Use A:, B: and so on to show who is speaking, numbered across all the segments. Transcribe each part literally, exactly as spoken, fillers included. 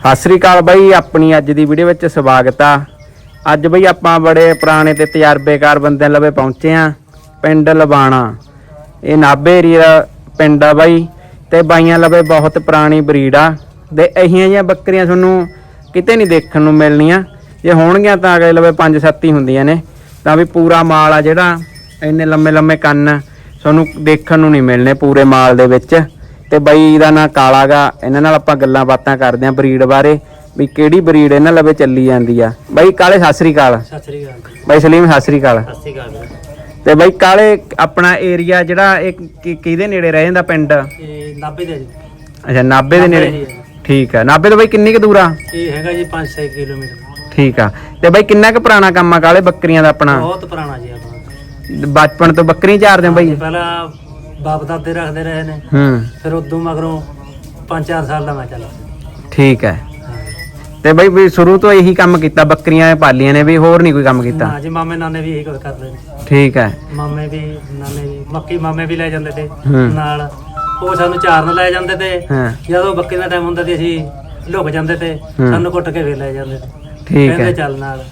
A: ਸਤਿ ਸ੍ਰੀ ਅਕਾਲ ਬਾਈ, ਆਪਣੀ ਅੱਜ ਦੀ ਵੀਡੀਓ ਵਿੱਚ ਸਵਾਗਤ ਆ। ਅੱਜ ਬਈ ਆਪਾਂ ਬੜੇ ਪੁਰਾਣੇ ਤੇ ਤਜਰਬੇਕਾਰ ਬੰਦਿਆਂ ਲਵੇ ਪਹੁੰਚੇ ਆ, ਪਿੰਡ ਲਬਾਣਾ। ਇਹ ਨਾਭੇ ਏਰੀਆ ਪਿੰਡ ਆ ਬਾਈ, ਤੇ ਬਾਈਆਂ ਲਵੇ ਬਹੁਤ ਪੁਰਾਣੀ ਬਰੀਡ ਆ। ਤੇ ਇਹੀਆਂ ਜਿਹੀਆਂ ਬੱਕਰੀਆਂ ਤੁਹਾਨੂੰ ਕਿਤੇ ਨਹੀਂ ਦੇਖਣ ਨੂੰ ਮਿਲਣੀਆਂ। ਜੇ ਹੋਣਗੀਆਂ ਤਾਂ ਅਗਲੇ ਲਵੇ ਪੰਜ ਸੱਤ ਹੀ ਹੁੰਦੀਆਂ ਨੇ। ਤਾਂ ਵੀ ਪੂਰਾ ਮਾਲ ਆ ਜਿਹੜਾ, ਇੰਨੇ ਲੰਮੇ ਲੰਮੇ ਕੰਨ ਤੁਹਾਨੂੰ ਦੇਖਣ ਨੂੰ ਨਹੀਂ ਮਿਲਣੇ ਪੂਰੇ ਮਾਲ ਦੇ ਵਿੱਚ। ਤੇ ਬਾਈ ਦਾ ਨਾਂ ਕਾਲਾ ਗਾ। ਇਹਨਾਂ ਨਾਲ ਆਪਾਂ ਗੱਲਾਂ ਬਾਤਾਂ ਕਰਦੇ ਆਂ ਬਰੀਡ ਬਾਰੇ, ਵੀ ਕਿਹੜੀ ਬਰੀਡ ਇਹਨਾਂ ਲਵੇ ਚੱਲੀ ਜਾਂਦੀ ਆ। ਬਾਈ ਕਾਲੇ ਸਤਿ ਸ੍ਰੀ ਅਕਾਲ।
B: ਸਤਿ ਸ੍ਰੀ ਅਕਾਲ
A: ਬਾਈ ਸਲੀਮ ਸਤਿ ਸ੍ਰੀ ਅਕਾਲ।
B: ਸਤਿ ਸ੍ਰੀ ਅਕਾਲ।
A: ਤੇ ਬਾਈ ਕਾਲੇ ਆਪਣਾ ਏਰੀਆ ਜਿਹੜਾ ਇਹ ਕਿ- ਕਿਹਦੇ ਨੇੜੇ ਰਹਿ ਜਾਂਦਾ ਪਿੰਡ?
B: ਇਹ ਨਾਭੇ ਦੇ ਜੀ।
A: ਅੱਛਾ ਨਾਭੇ ਦੇ ਨੇੜੇ। ਠੀਕ ਆ। ਨਾਭੇ ਤੋਂ ਬਾਈ ਕਿੰਨੀ ਕੁ ਦੂਰ ਆ?
B: ਇਹ ਹੈਗਾ ਜੀ ਪੰਜ ਛੇ ਕਿਲੋਮੀਟਰ।
A: ਠੀਕ ਆ। ਤੇ ਬਾਈ ਕਿੰਨਾ ਕੁ ਪੁਰਾਣਾ ਕੰਮ ਆ ਕਾਲੇ ਬੱਕਰੀਆਂ ਦਾ ਆਪਣਾ?
B: ਬਹੁਤ ਪੁਰਾਣਾ ਜੀ ਆਪਣਾ।
A: ਬਚਪਨ ਤੋਂ ਬੱਕਰੀ ਚਾਰਦੇ ਹੋ ਬਾਈ?
B: ਪਹਿਲਾਂ ਬਾਪ ਦਾਦੇ ਰੱਖਦੇ ਰਹੇ ਨੇ,
A: ਹੂੰ।
B: ਫਿਰ ਉਦੋਂ ਮਗਰੋਂ ਪੰਜ ਚਾਰ ਸਾਲ ਦਾ ਮੈਂ ਚੱਲਾ।
A: ਠੀਕ ਹੈ। ਤੇ ਬਾਈ ਵੀ ਸ਼ੁਰੂ ਤੋਂ ਇਹੀ ਕੰਮ ਕੀਤਾ, ਬੱਕਰੀਆਂ ਪਾਲੀਆਂ ਨੇ ਵੀ, ਹੋਰ ਨਹੀਂ ਕੋਈ ਕੰਮ ਕੀਤਾ?
B: ਹਾਂ ਜੀ, ਮਾਮੇ ਨਾਨੇ ਵੀ ਇਹੀ ਕੁਝ ਕਰਦੇ ਨੇ।
A: ਠੀਕ ਹੈ।
B: ਮਾਮੇ ਵੀ ਨਾਨੇ ਵੀ ਮੱਕੀ ਮਾਮੇ ਵੀ ਲੈ ਜਾਂਦੇ ਤੇ
A: ਹੂੰ।
B: ਨਾਲ, ਉਹ ਸਾਨੂੰ ਚਾਰਨ ਲੈ ਜਾਂਦੇ ਤੇ।
A: ਹਾਂ।
B: ਜਦੋਂ ਬੱਕਰੀ ਦਾ ਟਾਈਮ ਹੁੰਦਾ ਤੇ ਅਸੀਂ ਲੁਕ ਜਾਂਦੇ ਤੇ ਸਾਨੂੰ ਕੁੱਟ ਕੇ ਫੇਰ ਲੈ ਜਾਂਦੇ ਤੇ।
A: ਠੀਕ ਹੈ।
B: ਕਹਿੰਦੇ ਚੱਲ ਨਾਲ।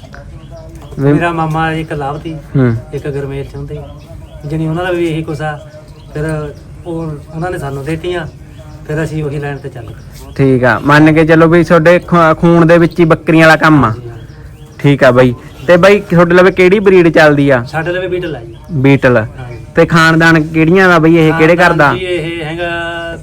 A: ਵੀ-
B: ਮੇਰਾ ਮਾਮਾ ਇੱਕ ਲਾਭਤੀ,
A: ਹੂੰ।
B: ਇੱਕ ਗਰਮੇਲ ਚ ਹੁੰਦੇ, ਜਣੀ ਉਹਨਾਂ ਦਾ ਵੀ ਇਹੀ ਕੁਛ ਆ। ਫਿਰ ਉਹ ਉਹਨਾਂ ਨੇ ਸਾਨੂੰ ਦੇਤੀਆਂ, ਫਿਰ ਅਸੀਂ ਉਹੀ ਲਾਈਨ ਤੇ ਚੱਲ ਗਏ।
A: ਠੀਕ ਆ। ਮੰਨ ਕੇ ਚੱਲੋ ਵੀ ਤੁਹਾਡੇ ਖ- ਖੂਨ ਦੇ ਵਿੱਚ ਹੀ ਬੱਕਰੀਆਂ ਵਾਲਾ ਕੰਮ ਆ। ਠੀਕ ਆ ਬਾਈ। ਤੇ ਬਾਈ ਤੁਹਾਡੇ ਲਵੇ ਕਿਹੜੀ ਬਰੀਡ ਚੱਲਦੀ ਆ?
B: ਸਾਡੇ ਲਈ ਬੀਟਲ ਆ ਜੀ।
A: ਬੀਟਲ।
B: ਹਾਂਜੀ।
A: ਤੇ ਖਾਨਦਾਨ ਕਿਹੜੀਆਂ ਦਾ ਬਈ, ਇਹ ਕਿਹੜੇ ਘਰ ਦਾ?
B: ਜੀ ਇਹ ਹੈਗਾ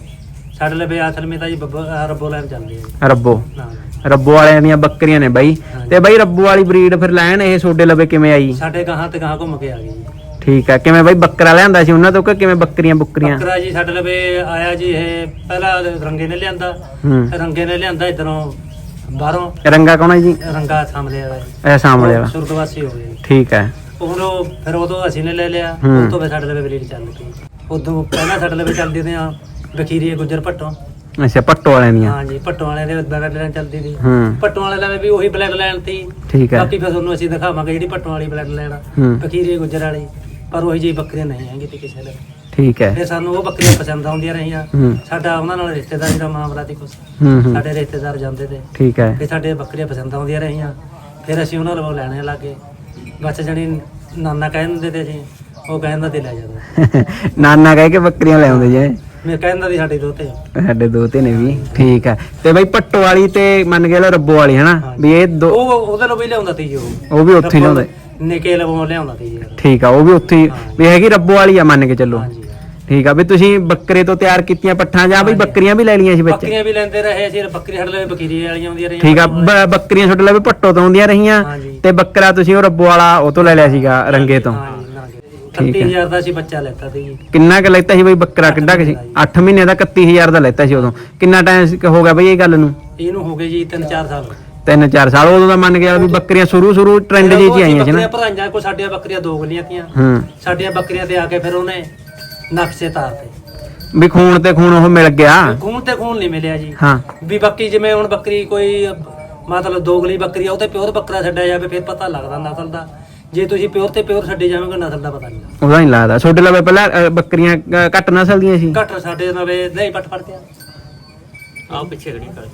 B: ਸਾਡੇ ਲਈ ਅਸਲ ਵਿੱਚ ਤਾਂ ਜੀ ਬੱਬ- ਰੱਬੋ ਲਾਈਨ ਚੱਲਦੀ ਹੈ ਜੀ।
A: ਰੱਬੋ।
B: ਹਾਂ।
A: ਰੱਬੋ ਵਾਲਿਆਂ ਦੀਆਂ ਬੱਕਰੀਆਂ ਨੇ ਬਾਈ। ਤੇ ਬਾਈ ਰੱਬੋ ਵਾਲੀ ਬਰੀਡ ਫਿਰ ਲੈਣ ਇਹ ਤੁਹਾਡੇ ਲਵੇ ਕਿਵੇਂ ਆਈ?
B: ਸਾਡੇ ਗਾਹਾਂ ਤੇ ਗਾਹਾਂ ਘੁੰਮ ਕੇ ਆ ਗਈ ਜੀ।
A: ਠੀਕ ਆ। ਕਿਵੇਂ ਬਾਈ ਬੱਕਰਾ ਲਿਆਂਦਾ ਸੀ ਉਹਨਾਂ ਤੋਂ ਕਿ ਕਿਵੇਂ ਬੱਕਰੀਆਂ ਬੁੱਕਰੀਆਂ?
B: ਬੱਕਰਾ ਜੀ ਸਾਡੇ ਲਈ ਆਇਆ ਜੀ। ਇਹ ਪਹਿਲਾਂ ਰੰਗੇ ਨੇ ਲਿਆਂਦਾ।
A: ਹੂੰ।
B: ਰੰਗੇ ਨੇ ਲਿਆਂਦਾ ਇਧਰੋਂ ਬਾਹਰੋਂ।
A: ਰੰਗਾ ਕੌਣ ਹੈ ਜੀ?
B: ਰੰਗਾ ਸਾਹਮਣੇ ਵਾਲਾ ਜੀ।
A: ਇਹ ਸਾਹਮਣੇ ਵਾਲਾ।
B: ਸੁਰਗਵਾਸੀ ਹੋ ਗਏ।
A: ਠੀਕ ਹੈ।
B: ਉਹ ਫਿਰ ਉਦੋਂ ਅਸੀਂ ਨੇ ਲੈ ਲਿਆ।
A: ਹੂੰ।
B: ਉਸ ਤੋਂ ਫਿਰ ਸਾਡੇ ਲਈ ਬਰੀਡ ਚੱਲ ਪਈ। ਉਦੋਂ ਪਹਿਲਾਂ ਸਾਡੇ ਲਈ ਚੱਲਦੀ ਤੇ ਆ ਬਖੀਰੀ ਗੁੱਜਰ ਭੱਟੋਂ।
A: ਅੱਛਾ ਭੱਟੋ ਵਾਲਿਆਂ ਦੀਆਂ।
B: ਹਾਂ ਜੀ, ਭੱਟੋਂ ਵਾਲਿਆਂ ਦੇ ਬਲੱਡ ਲਾਈਨ ਚੱਲਦੀ ਸੀ।
A: ਹੂੰ।
B: ਭੱਟੋਂ ਵਾਲੇ ਦਾ ਵੀ ਉਹੀ ਬਲੱਡ ਲਾਈਨ ਸੀ।
A: ਠੀਕ ਹੈ।
B: ਬਾਕੀ ਫਿਰ ਤੁਹਾਨੂੰ ਅਸੀਂ ਦਿਖਾਵਾਂਗੇ ਜਿਹੜੀ ਭੱਟੋਂ ਵਾਲੀ ਬਲੱਡ ਲਾਈਨ ਆ,
A: ਹੂੰ।
B: ਬਖੀਰੀ ਗੁੱਜਰ ਵਾਲੀ। ਪਰ ਉਹੀ ਜਿਹੀ ਬੱਕਰੀਆਂ ਨਹੀਂ ਹੈਗੀ ਤੇ ਕਿਸੇ ਲਈ।
A: ਠੀਕ ਹੈ।
B: ਫਿਰ ਸਾਨੂੰ ਉਹ ਬੱਕਰੀਆਂ ਪਸੰਦ ਆਉਂਦੀਆਂ ਰਹੀਆਂ।
A: ਹੂੰ।
B: ਸਾਡਾ ਉਹਨਾਂ ਨਾਲ ਰਿਸ਼ਤੇਦਾਰੀ ਦਾ ਮਾਮਲਾ ਸੀ ਕੁਛ।
A: ਹੂੰ ਹੂੰ।
B: ਸਾਡੇ ਰਿਸ਼ਤੇਦਾਰ ਜਾਂਦੇ ਤੇ,
A: ਠੀਕ ਹੈ।
B: ਫਿਰ ਸਾਡੇ ਬੱਕਰੀਆਂ ਪਸੰਦ ਆਉਂਦੀਆਂ ਰਹੀਆਂ। ਫਿਰ ਅਸੀਂ ਉਹਨਾਂ ਕੋਲੋਂ ਲੈਣੇ ਲੱਗੇ। ਬਸ ਜਣੀ ਨਾਨਾ ਕਹਿ ਦਿੰਦੇ ਤੇ ਅਸੀਂ ਉਹ ਕਹਿੰਦਾ ਤੇ ਲੈ ਜਾਂਦੇ।
A: ਨਾਨਾ ਕਹਿ ਕੇ ਬੱਕਰੀਆਂ ਲੈ ਆਉਂਦੇ ਜੇ।
B: ਮੈਂ ਕਹਿੰਦਾ ਦੀ ਸਾਡੀ ਦੋਤੇ।
A: ਸਾਡੇ ਦੋ ਤੇ ਨੇ ਵੀ। ਠੀਕ ਹੈ। ਤੇ ਬਾਈ ਭੱਟੋ ਵਾਲੀ ਤੇ ਮੰਨ ਕੇ ਲਓ ਰੱਬੋ ਵਾਲੀ ਹਨਾ ਵੀ ਇਹ ਦੋ,
B: ਉਹ ਉਹਦੇ ਨੂੰ ਵੀ ਲਿਆਉਂਦਾ ਤੀ ਜੀ। ਉਹ
A: ਉਹ ਵੀ ਉੱਥੇ ਹੀ ਲਿਆਉਂਦੇ।
B: ਨਿੱਕੇ ਲਵੋਂ ਲਿਆਉਂਦਾ ਤੀ ਜੀ।
A: ਠੀਕ ਆ। ਉਹ ਵੀ ਉੱਥੇ ਹੀ ਵੀ ਹੈਗੀ ਰੱਬੋ ਵਾਲੀ ਆ ਮੰਨ ਕੇ ਚੱਲੋ।
B: ਹਾਂਜੀ।
A: ਠੀਕ ਆ। ਵੀ ਤੁਸੀਂ ਬੱਕਰੇ ਤੋਂ ਤਿਆਰ ਕੀਤੀਆਂ ਪੱਠਾਂ ਜਾਂ ਬਈ ਬੱਕਰੀਆਂ ਵੀ ਲੈ ਲਈਆਂ ਸੀ ਵਿੱਚ?
B: ਬੱਕਰੀਆਂ ਵੀ ਲੈਂਦੇ ਰਹੇ ਅਸੀਂ। ਬੱਕਰੀ ਸਾਡੇ ਲਈ ਬਕੀਰੀ ਵਾਲੀਆਂ ਆਉਂਦੀਆਂ ਰਹੀਆਂ।
A: ਠੀਕ ਆ। ਬ- ਬੱਕਰੀਆਂ ਤੁਹਾਡੇ ਲਈ ਭੱਟੋ ਤੋਂ ਆਉਂਦੀਆਂ ਰਹੀਆਂ
B: ਹਾਂਜੀ।
A: ਤੇ ਬੱਕਰਾ ਤੁਸੀਂ ਉਹ ਰੱਬੋ ਵਾਲਾ ਉਹ ਤੋਂ ਲੈ ਲਿਆ ਸੀਗਾ ਰੰਗੇ ਤੋਂ।
B: ਹਾਂਜੀ। ਇਕੱਤੀ ਹਜ਼ਾਰ ਦਾ ਅਸੀਂ ਬੱਚਾ ਲੈਤਾ ਸੀ ਜੀ।
A: ਕਿੰਨਾ ਕੁ ਲੈਤਾ ਸੀ ਬਈ ਬੱਕਰਾ? ਕਿੱਡਾ ਕੁ ਸੀ? ਅੱਠ ਮਹੀਨੇ ਦਾ ਇਕੱਤੀ ਹਜ਼ਾਰ ਦਾ ਲੈਤਾ ਸੀ ਉਦੋਂ। ਕਿੰਨਾ ਟਾਈਮ ਹੋ ਗਿਆ ਬਈ ਇਹ ਗੱਲ ਨੂੰ?
B: ਇਹਨੂੰ ਹੋ ਗਏ ਜੀ ਤਿੰਨ ਚਾਰ ਸਾਲ।
A: ਤਿੰਨ ਚਾਰ ਸਾਲ। ਉਦੋਂ ਦਾ ਮੰਨ ਗਿਆ ਵੀ ਬੱਕਰੀਆਂ ਸ਼ੁਰੂ ਸ਼ੁਰੂ ਟ੍ਰੈਂਡ ਜਿਹੀ ਚ ਆਈਆਂ ਸੀ ਨਾ।
B: ਬੱਕਰੀਆਂ ਭਰਾਈਆਂ ਕੋ ਸਾਡੀਆਂ ਬੱਕਰੀਆਂ ਦੋ ਗਲੀਆਂ ਤੀਆਂ।
A: ਹੂੰ।
B: ਸਾਡੀਆਂ ਬੱਕਰੀਆਂ ਤੇ ਆ ਕੇ ਫਿਰ ਉਹਨੇ ਨਕਸ਼ੇ ਤਾਰਤੇ
A: ਵੀ ਖੂਨ ਤੇ ਖੂਨ ਉਹ ਮਿਲ ਗਿਆ।
B: ਖੂਨ ਤੇ ਖੂਨ ਨਹੀਂ ਮਿਲਿਆ ਜੀ।
A: ਹਾਂ।
B: ਵੀ ਬਾਕੀ ਜਿਵੇਂ ਹੁਣ ਬੱਕਰੀ ਕੋਈ ਮਤਲਬ ਦੋਗਲੀ ਬੱਕਰੀ ਆ, ਉਹ ਤੇ ਪਿਓਰ ਬੱਕਰਾ ਛੱਡਿਆ ਜਾਵੇ ਫਿਰ ਪਤਾ ਲੱਗਦਾ ਨਸਲ ਦਾ। ਜੇ ਤੁਸੀਂ ਪਿਓਰ ਤੇ ਪਿਓਰ ਛੱਡੇ ਜਾਵੋਗੇ ਨਸਲ ਦਾ ਪਤਾ ਨਹੀਂ ਲੱਗਦਾ।
A: ਉਹਦਾ ਨਹੀਂ ਲੱਗਦਾ। ਤੁਹਾਡੇ ਲਵੇ ਪਹਿਲਾਂ ਅ, ਬੱਕਰੀਆਂ ਅ, ਘੱਟ ਨਸਲ ਦੀਆਂ ਸੀ?
B: ਘੱਟ ਸਾਡੇ ਨਵੇਂ ਨਹੀਂ ਪੱਟ ਪੜਦੇ ਆ। ਆਹ ਪਿੱਛੇ ਖੜੀ ਕਰ।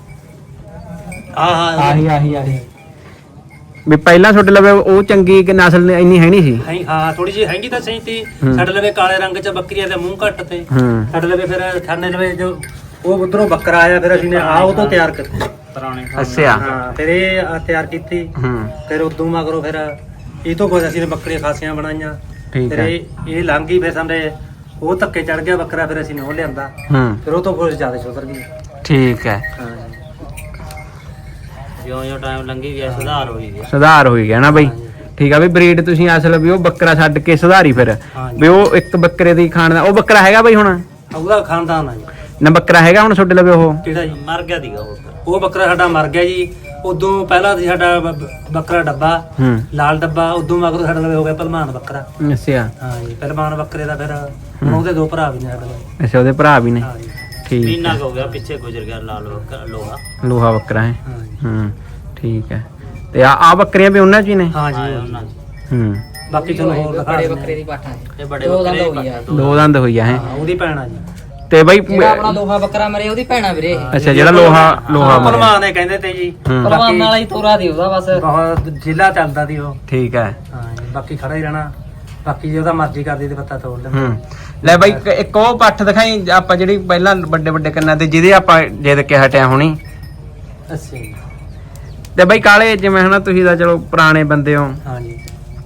B: ਆਹ ਹਾਂ
A: ਆਹੀ ਆਹੀ ਆਹੀ ਵੀ ਪਹਿਲਾਂ ਤੁਹਾਡੇ ਲਵੇ ਉਹ ਚੰਗੀ ਕਿ ਨਸਲ ਇੰਨੀ ਹੈ ਨਹੀਂ ਸੀ?
B: ਹੈ ਹਾਂ, ਥੋੜੀ ਜਿਹੀ ਹੈਗੀ ਤਾਂ ਸਹੀ ਤੀ। ਸਾਡੇ ਲਵੇ ਕਾਲੇ ਰੰਗ ਚ ਬੱਕਰੀਆਂ ਦੇ ਮੂੰਹ ਘੱਟ ਤੇ।
A: ਹੂੰ।
B: ਸਾਡੇ ਲਵੇ ਫਿਰ ਥਾਣੇ ਲਵੇ ਜੋ ਉਹ ਉਧਰੋਂ ਬੱਕਰਾ ਆਇਆ, ਫਿਰ ਅਸੀਂ ਨੇ ਆ ਉਹ ਤੋਂ ਤਿਆਰ ਕੀਤਾ ਪੁਰਾਣੇ।
A: ਅੱਛਾ।
B: ਹਾਂ। ਫਿਰ ਇਹ ਆਹ ਤਿਆਰ ਕੀਤੀ।
A: ਹੂੰ।
B: ਫਿਰ ਉਦੋਂ ਮਗਰੋਂ ਫਿਰ ਇਹ ਤੋਂ ਕੁਝ ਅਸੀਂ ਨੇ ਬੱਕਰੀਆਂ ਖਾਸੀਆਂ ਬਣਾਈਆਂ।
A: ਠੀਕ
B: ਫਿਰ
A: ਹੈ।
B: ਇਹ ਇਹ ਲੰਘ ਗਈ। ਫਿਰ ਸਾਡੇ ਉਹ ਧੱਕੇ ਚੜ ਗਿਆ ਬੱਕਰਾ, ਫਿਰ ਅਸੀਂ ਨੇ ਉਹ ਲਿਆਂਦਾ।
A: ਹੂੰ।
B: ਫਿਰ ਉਹ ਤੋਂ ਕੁਝ ਜ਼ਿਆਦਾ ਸੁਧਰ ਗਈ।
A: ਠੀਕ ਹੈ।
B: ਹਾਂ। ਜਿਉਂ ਜਿਉਂ ਟਾਈਮ ਲੰਘੀ ਗਿਆ ਸੁਧਾਰ ਹੋਈ ਗਿਆ।
A: ਸੁਧਾਰ ਹੋਈ ਗਿਆ ਨਾ ਬਈ। ਠੀਕ ਆ ਵੀ ਬਰੀਡ ਤੁਸੀਂ ਅਸਲ ਵੀ ਉਹ ਬੱਕਰਾ ਛੱਡ ਕੇ ਸੁਧਾਰੀ ਫਿਰ
B: ਹਾਂਜੀ।
A: ਵੀ ਉਹ ਇੱਕ ਬੱਕਰੇ ਦੀ ਖਾਣ ਦਾ ਉਹ ਬੱਕਰਾ ਹੈਗਾ ਬਈ ਹੁਣ?
B: ਉਹਦਾ ਖਾਨਦਾਨ ਆ ਜੀ।
A: ਨਾ ਬੱਕਰਾ ਹੈਗਾ ਹੁਣ ਤੁਹਾਡੇ ਲਵੇ ਉਹ?
B: ਕਿਹੜਾ ਜੀ? ਮਰ ਗਿਆ ਸੀਗਾ ਉਹ। ਉਹ ਬੱਕਰਾ ਸਾਡਾ ਮਰ ਗਿਆ ਜੀ। ਉਦੋਂ ਪਹਿਲਾਂ ਸੀ ਸਾਡਾ ਬ- ਬੱਕਰਾ ਡੱਬਾ,
A: ਹੂੰ।
B: ਲਾਲ ਡੱਬਾ। ਉਦੋਂ ਮਗਰੋਂ ਸਾਡਾ ਲਵੇ ਹੋ ਗਿਆ ਭਲਮਾਨ ਬੱਕਰਾ।
A: ਅੱਛਾ।
B: ਹਾਂ ਜੀ। ਭਲਮਾਨ ਬੱਕਰੇ ਦਾ ਫਿਰ ਹੁਣ ਉਹਦੇ ਦੋ ਭਰਾ ਵੀ ਨੇ ਸਾਡੇ ਕੋਲ।
A: ਅੱਛਾ। ਉਹਦੇ ਭਰਾ ਵੀ ਨੇ?
B: ਹਾਂ ਜੀ।
A: ਠੀਕ।
B: ਮਹੀਨਾ ਹੋ ਗਿਆ ਪਿੱਛੇ ਗੁਜ਼ਰ ਗਿਆ ਲਾਲ ਲੋਹਾ।
A: ਲੋਹਾ ਬੱਕਰਾ ਹੈ।
B: ਹਾਂ ਜੀ।
A: ਹੂੰ। ਠੀਕ ਹੈ। ਤੇ ਆ ਆ ਬੱਕਰੀਆਂ ਵੀ ਉਹਨਾਂ ਚ ਹੀ ਨੇ?
B: ਹਾਂ ਜੀ ਉਹਨਾਂ ਚ।
A: ਹੂੰ।
B: ਬਾਕੀ ਚਲੋ ਹੋਰ ਦਿਖਾ
C: ਬੜੇ
B: ਦਿੰਦੇ
C: ਬੱਕਰੇ ਦੀ ਪਾਠਾ ਹੈ।
B: ਇਹ ਬੜੇ
C: ਦੋ
B: ਬੱਕਰੇ
C: ਦੰਦ ਹੋ ਗਿਆ।
A: ਦੋ ਦੰਦ ਹੋਈ ਆ ਹੈ।
B: ਹਾਂ, ਉਹਦੀ ਭੈਣ ਆ ਜੀ।
A: ਤੇ ਬਾਈ
C: ਜਿਹੜਾ ਆਪਣਾ ਲੋਹਾ ਬੱਕਰਾ ਮਰੇ ਉਹਦੀ ਭੈਣਾ ਵੀਰੇ ਇਹ।
A: ਅੱਛਾ ਜਿਹੜਾ ਲੋਹਾ ਲੋਹਾ ਮਰਿਆ।
B: ਭਲਵਾਨ ਨੇ ਕਹਿੰਦੇ ਤੇ ਜੀ
A: ਹੂੰ।
C: ਭਲਵਾਨ ਵਾਲਾ ਹੀ ਤੋਰਾ ਦੀ ਉਹਦਾ ਬਸ
B: ਬਹੁਤ ਜ਼ਿਲ੍ਹਾ ਚੱਲਦਾ ਸੀ ਉਹ।
A: ਠੀਕ ਹੈ।
B: ਹਾਂ ਜੀ, ਬਾਕੀ ਖੜਾ ਹੀ ਰਹਿਣਾ, ਬਾਕੀ ਜੇ ਉਹਦਾ ਮਰਜ਼ੀ ਕਰਦੀ ਤੇ ਪੱਤਾ ਤੋੜ ਲੈਂਦਾ।
A: ਹੂੰ ਲੈ ਬਾਈ ਇੱਕ- ਇੱਕ ਉਹ ਪੱਠ ਦਿਖਾਈ ਆਪਾਂ ਜਿਹੜੀ ਪਹਿਲਾਂ ਵੱਡੇ ਵੱਡੇ ਕੰਨਾਂ ਤੇ ਜਿਹਦੇ ਆਪਾਂ ਜਿੱਦ ਕੇ ਹਟਿਆ ਹੁਣੀ।
B: ਅੱਛਾ ਜੀ।
A: ਤੇ ਬਾਈ ਕਾਲੇ ਜਿਵੇਂ ਹਨਾ ਤੁਸੀਂ ਤਾਂ ਚਲੋ ਪੁਰਾਣੇ ਬੰਦੇ ਹੋ,
B: ਹਾਂ ਜੀ